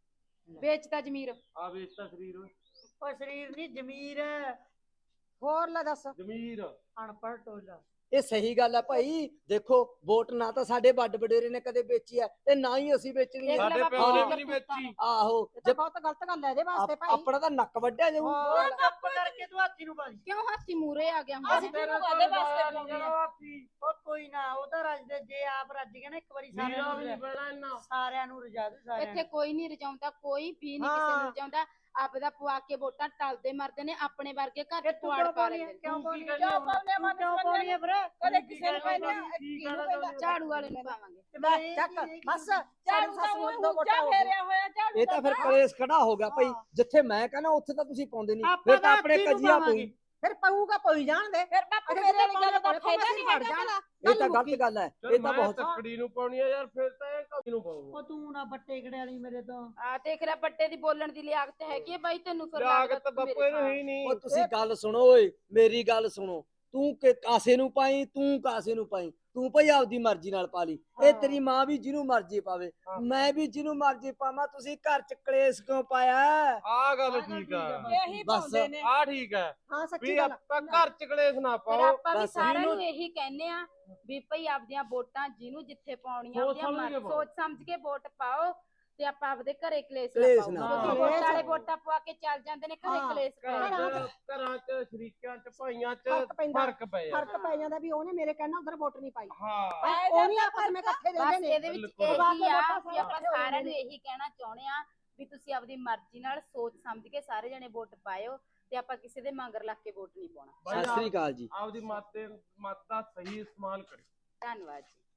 Speaker 1: ਵੇਚਦਾ ਜ਼ਮੀਰ।
Speaker 5: ਆ ਵੇਚਤਾ ਸਰੀਰ ਓਏ।
Speaker 6: ਉਹ ਸਰੀਰ ਨਹੀਂ ਜ਼ਮੀਰ ਹੈ।
Speaker 2: ਹੋਰ ਲੈ ਦੱਸ।
Speaker 5: ਜ਼ਮੀਰ।
Speaker 6: ਅਨਪੜ੍ਹ ਟੋਲਾ।
Speaker 3: ਇਹ ਸਹੀ ਗੱਲ ਆ ਭਾਈ। ਦੇਖੋ ਵੋਟ ਨਾ ਤਾਂ ਸਾਡੇ ਵੱਡ ਵਡੇਰੇ ਨੇ ਕਦੇ ਵੇਚੀ ਆ ਤੇ ਨਾ ਹੀ ਅਸੀਂ ਵੇਚਣੀ
Speaker 1: ਦੇਖ
Speaker 3: ਆ।
Speaker 1: ਲੈ
Speaker 5: ਸਾਡੇ
Speaker 1: ਬਾਪੂ
Speaker 5: ਪਿਓ ਨੇ
Speaker 1: ਦੀਆਂ
Speaker 5: ਵੀ ਨਹੀਂ ਵੇਚੀ।
Speaker 3: ਆਹੋ,
Speaker 2: ਇਹ ਤਾਂ ਬਹੁਤ ਗਲਤ ਗੱਲ ਹੈ ਇਹਦੇ ਵਾਸਤੇ
Speaker 3: ਆਪ-
Speaker 2: ਭਾਈ।
Speaker 3: ਆਪਣਾ ਤਾਂ ਨੱਕ ਵੱਢਿਆ ਜਾਊ।
Speaker 2: ਹੋਰ।
Speaker 6: ਚੁੱਪ ਕਰਕੇ ਤੂੰ ਹਾਥੀ ਨੂੰ ਪਾ ਦੀ।
Speaker 1: ਕਿਉਂ ਹਾਥੀ ਮੂਰੇ ਆ ਗਿਆ
Speaker 6: ਅਸੀਂ
Speaker 1: ਹੁਣ?
Speaker 6: ਤੇਰੇ
Speaker 4: ਕਾਹਦੇ ਵਾਸਤੇ ਪਾਉਂਦੇ ਆ?
Speaker 6: ਉਹ ਕੋਈ ਨਾ, ਉਹ ਤਾਂ ਰੱਜਦੇ, ਜੇ ਆਪ ਰੱਜ ਗਿਆ ਨਾ ਇੱਕ ਵਾਰੀ ਸਾਰਿਆਂ
Speaker 5: ਨੀਰਾ
Speaker 6: ਨੂੰ
Speaker 5: ਵੀ ਨਹੀਂ
Speaker 6: ਰਜਾ-
Speaker 5: ਪੈਣਾ ਇੰਨਾ।
Speaker 6: ਸਾਰਿਆਂ ਨੂੰ ਰਜਾ ਦੇ ਸਾਰਿਆਂ
Speaker 1: ਇੱਥੇ
Speaker 6: ਨੂੰ।
Speaker 1: ਕੋਈ ਨਹੀਂ ਰਜਾਉਂਦਾ, ਕੋਈ ਵੀ ਨਹੀਂ ਕਿਸੇ
Speaker 2: ਹਾਂ।
Speaker 1: ਨੂੰ ਰਜਾਉਂਦਾ। ਆਪਦਾ ਪਵਾ ਕੇ ਵੋਟਾਂ ਟਲਦੇ ਮਰਦੇ ਨੇ, ਆਪਣੇ ਵਰਗੇ ਘਰ
Speaker 6: ਇਹ
Speaker 1: ਚ
Speaker 6: ਤੂੰ
Speaker 1: ਪੁਆੜ
Speaker 6: ਕਿਉਂ
Speaker 1: ਪਾ
Speaker 6: ਪਾਉਣੀ
Speaker 1: ਲੈਂਦੇ
Speaker 6: ਹੈ?
Speaker 1: ਨੇ।
Speaker 6: ਕਿਉਂ ਪਾਉਣੀ ਹੈ?
Speaker 4: ਕਿਉਂ ਪਾਉਂਦੇ ਆ
Speaker 6: ਤੂੰ ਕਿਉਂ
Speaker 4: ਮਨ
Speaker 6: ਪਾਉਣੀ ਹੈ ਵੀਰੇ?
Speaker 4: ਕਦੇ ਕਿਸੇ ਨੂੰ ਕਹਿੰਦੇ ਆ, ਕਿਹਨੂੰ ਕਹਿੰਦੇ?
Speaker 1: ਝਾੜੂ ਵਾਲੇ ਨੂੰ ਪਾਵਾਂਗੇ।
Speaker 6: ਤੇ
Speaker 2: ਲੈ,
Speaker 6: ਮੈਂ
Speaker 2: ਚੱਕ ਬਸ।
Speaker 4: ਝਾੜੂ
Speaker 2: ਸੱਸ
Speaker 4: ਦਾ
Speaker 2: ਨੂੰ
Speaker 4: ਉਹ
Speaker 2: ਦੋ
Speaker 4: ਉੱਚਾ
Speaker 2: ਵੋਟਾਂ ਹੋ ਗਈਆਂ।
Speaker 4: ਫੇਰਿਆ ਹੋਇਆ ਝਾੜੂ
Speaker 3: ਇਹ ਤਾਂ ਫਿਰ
Speaker 4: ਦਾ।
Speaker 3: ਕਲੇਸ਼ ਖੜਾ ਹੋ ਗਿਆ ਭਾਈ। ਜਿੱਥੇ ਮੈਂ ਕਹਿੰਦਾ ਉੱਥੇ ਤਾਂ ਤੁਸੀਂ ਪਾਉਂਦੇ ਨਹੀਂ,
Speaker 6: ਆਪਾਂ
Speaker 3: ਫਿਰ ਤਾਂ ਆਪਣੇ
Speaker 6: ਹਾਥੀ ਨੂੰ
Speaker 3: ਕਜੀਆ
Speaker 6: ਪਾਵਾਂਗੇ।
Speaker 3: ਪਊ।
Speaker 2: ਫਿਰ ਪਊਗਾ ਪਈ ਜਾਣ ਦੇ।
Speaker 4: ਫਿਰ ਬਾਪੂ
Speaker 2: ਅਰੇ
Speaker 4: ਮੇਰੇ ਵਾਲੀ
Speaker 2: ਜਿਹੜੇ
Speaker 4: ਗੱਲ ਦਾ
Speaker 2: ਪਾਉਣੇ
Speaker 4: ਫਾਇਦਾ
Speaker 2: ਪਾਉਣੇ
Speaker 4: ਨਹੀਂ
Speaker 2: ਮਰ
Speaker 4: ਹੈਗਾ
Speaker 2: ਜਾਣ।
Speaker 3: ਇਹ ਤਾਂ ਗਲਤ ਗੱਲ ਹੈ।
Speaker 5: ਚੱਲ
Speaker 3: ਇਹ ਤਾਂ
Speaker 5: ਮੈਂ
Speaker 3: ਬਹੁਤ
Speaker 5: ਤੱਕੜੀ ਨੂੰ ਪਾਉਣੀ ਆ ਯਾਰ, ਫਿਰ ਤਾਂ ਇਹ ਕਾਹਦੀ ਨੂੰ ਪਾਉਂਗਾ।
Speaker 6: ਉਹ ਤੂੰ ਨਾ ਬੱਟੇ ਖੜੇ ਵਾਲੀ ਮੇਰੇ ਤੋਂ।
Speaker 1: ਆ ਦੇਖ ਲੈ, ਵੱਡੇ ਦੀ ਬੋਲਣ ਦੀ ਲਿਆਕਤ ਹੈਗੀ ਹੈ ਬਾਈ ਤੈਨੂੰ। ਫਿਰ
Speaker 5: ਲਾਗਤ
Speaker 1: ਲੱਗਦਾ ਤੂੰ
Speaker 5: ਬਾਪੂ
Speaker 1: ਮੇਰੇ
Speaker 5: ਇਹਨੂੰ
Speaker 1: ਨਾਲ।
Speaker 5: ਹੀ ਨਹੀਂ।
Speaker 3: ਉਹ ਤੁਸੀਂ ਗੱਲ ਸੁਣੋ ਓਏ, ਮੇਰੀ ਗੱਲ ਸੁਣੋ। ਤੂੰ ਕਿ ਕਾਸੇ ਨੂੰ ਪਾਈ, ਤੂੰ ਕਾਸੇ ਨੂੰ ਪਾਈ, ਤੂੰ ਭਾਈ ਆਪਦੀ ਮਰਜ਼ੀ ਨਾਲ ਪਾ ਲਈ। ਇਹ ਤੇਰੀ ਮਾਂ ਵੀ ਜਿਹਨੂੰ ਮਰਜ਼ੀ ਪਾਵੇ, ਮੈਂ ਵੀ ਜਿਹਨੂੰ ਮਰਜ਼ੀ ਪਾਵਾਂ। ਤੁਸੀਂ ਘਰ ਚ ਕਲੇਸ਼ ਕਿਉਂ ਪਾਇਆ?
Speaker 5: ਆ ਗੱਲ ਠੀਕ ਆ।
Speaker 4: ਇਹੀ
Speaker 3: ਬਸ।
Speaker 4: ਪਾਉਂਦੇ ਨੇ।
Speaker 5: ਆ ਠੀਕ ਹੈ
Speaker 2: ਹਾਂ ਸੱਚੀ
Speaker 5: ਵੀ
Speaker 2: ਗੱਲ।
Speaker 5: ਆਪਾਂ ਘਰ ਚ ਕਲੇਸ਼ ਨਾ
Speaker 1: ਫਿਰ
Speaker 5: ਪਾਓ।
Speaker 1: ਆਪਾਂ ਵੀ
Speaker 3: ਬਸ
Speaker 1: ਸਾਰਿਆਂ
Speaker 5: ਜਿਹਨੂੰ-
Speaker 1: ਨੂੰ ਇਹੀ ਕਹਿੰਦੇ ਆ ਵੀ ਭਈ ਆਪਦੀਆਂ ਵੋਟਾਂ ਜਿਹਨੂੰ ਜਿੱਥੇ ਪਾਉਣੀਆਂ
Speaker 5: ਸੋਚ
Speaker 1: ਆਪਦੀਆਂ
Speaker 5: ਸਮਝ ਕੇ
Speaker 1: ਮਰ-
Speaker 5: ਪਾਓ।
Speaker 1: ਸੋਚ ਸਮਝ ਕੇ ਵੋਟ ਪਾਓ ਤੇ ਆਪਾਂ ਆਪਦੇ ਘਰੇ ਕਲੇਸ਼ ਨਾ
Speaker 3: ਕਲੇਸ਼
Speaker 1: ਪਾਓ।
Speaker 3: ਨਾ
Speaker 1: ਕਿਉਂਕਿ
Speaker 5: ਪਾਓ।
Speaker 1: ਵੋਟਾਂ ਵਾਲੇ ਵੋਟਾਂ ਪਵਾ ਕੇ ਚੱਲ ਜਾਂਦੇ ਨੇ, ਘਰੇ
Speaker 2: ਹਾਂ।
Speaker 1: ਕਲੇਸ਼
Speaker 5: ਘਰਾਂ
Speaker 1: ਕਰਦੇ ਨੇ।
Speaker 5: ਚ ਘਰਾਂ ਚ ਸ਼ਰੀਕਾਂ ਚ ਭਾਈਆਂ ਚ
Speaker 2: ਫਰਕ ਪੈਂਦਾ।
Speaker 5: ਫਰਕ ਪੈ ਜਾਂਦਾ।
Speaker 2: ਫਰਕ ਪੈ ਜਾਂਦਾ ਵੀ ਉਹਨੇ ਮੇਰੇ ਕਹਿਣਾ ਉਧਰ ਵੋਟ ਨਹੀਂ ਪਾਈ।
Speaker 5: ਹਾਂ
Speaker 2: ਉਹ ਨਹੀਂ ਆਪਸ ਵਿੱਚ ਇਕੱਠੇ ਰਹਿੰਦੇ
Speaker 1: ਬਸ
Speaker 2: ਨੇ।
Speaker 1: ਇਹਦੇ ਵਿੱਚ
Speaker 5: ਬਿਲਕੁਲ।
Speaker 1: ਇਹੀ
Speaker 2: ਪਵਾ ਕੇ
Speaker 1: ਆ
Speaker 2: ਵੋਟਾਂ
Speaker 1: ਵੀ ਆਪਾਂ
Speaker 2: ਸਾਰੇ
Speaker 1: ਸਾਰਿਆਂ ਨੂੰ ਇਹੀ ਕਹਿਣਾ ਚਾਹੁੰਦੇ ਆ ਵੀ ਤੁਸੀਂ ਆਪਦੀ ਮਰਜ਼ੀ ਨਾਲ ਸੋਚ ਸਮਝ ਕੇ ਸਾਰੇ ਜਣੇ ਵੋਟ ਪਾਇਓ ਤੇ ਆਪਾਂ ਕਿਸੇ ਦੇ ਮਗਰ ਲੱਗ ਕੇ ਵੋਟ ਨਹੀਂ ਪਾਉਣਾ।
Speaker 5: ਬਾਈ
Speaker 3: ਸਤਿ ਸ੍ਰੀ ਅਕਾਲ ਜੀ।
Speaker 5: ਆਪਦੀ ਮਤ ਤੇ ਮਤ ਦਾ ਸਹੀ ਇਸਤੇਮਾਲ ਕਰਿਓ।
Speaker 1: ਧੰਨਵਾਦ ਜੀ।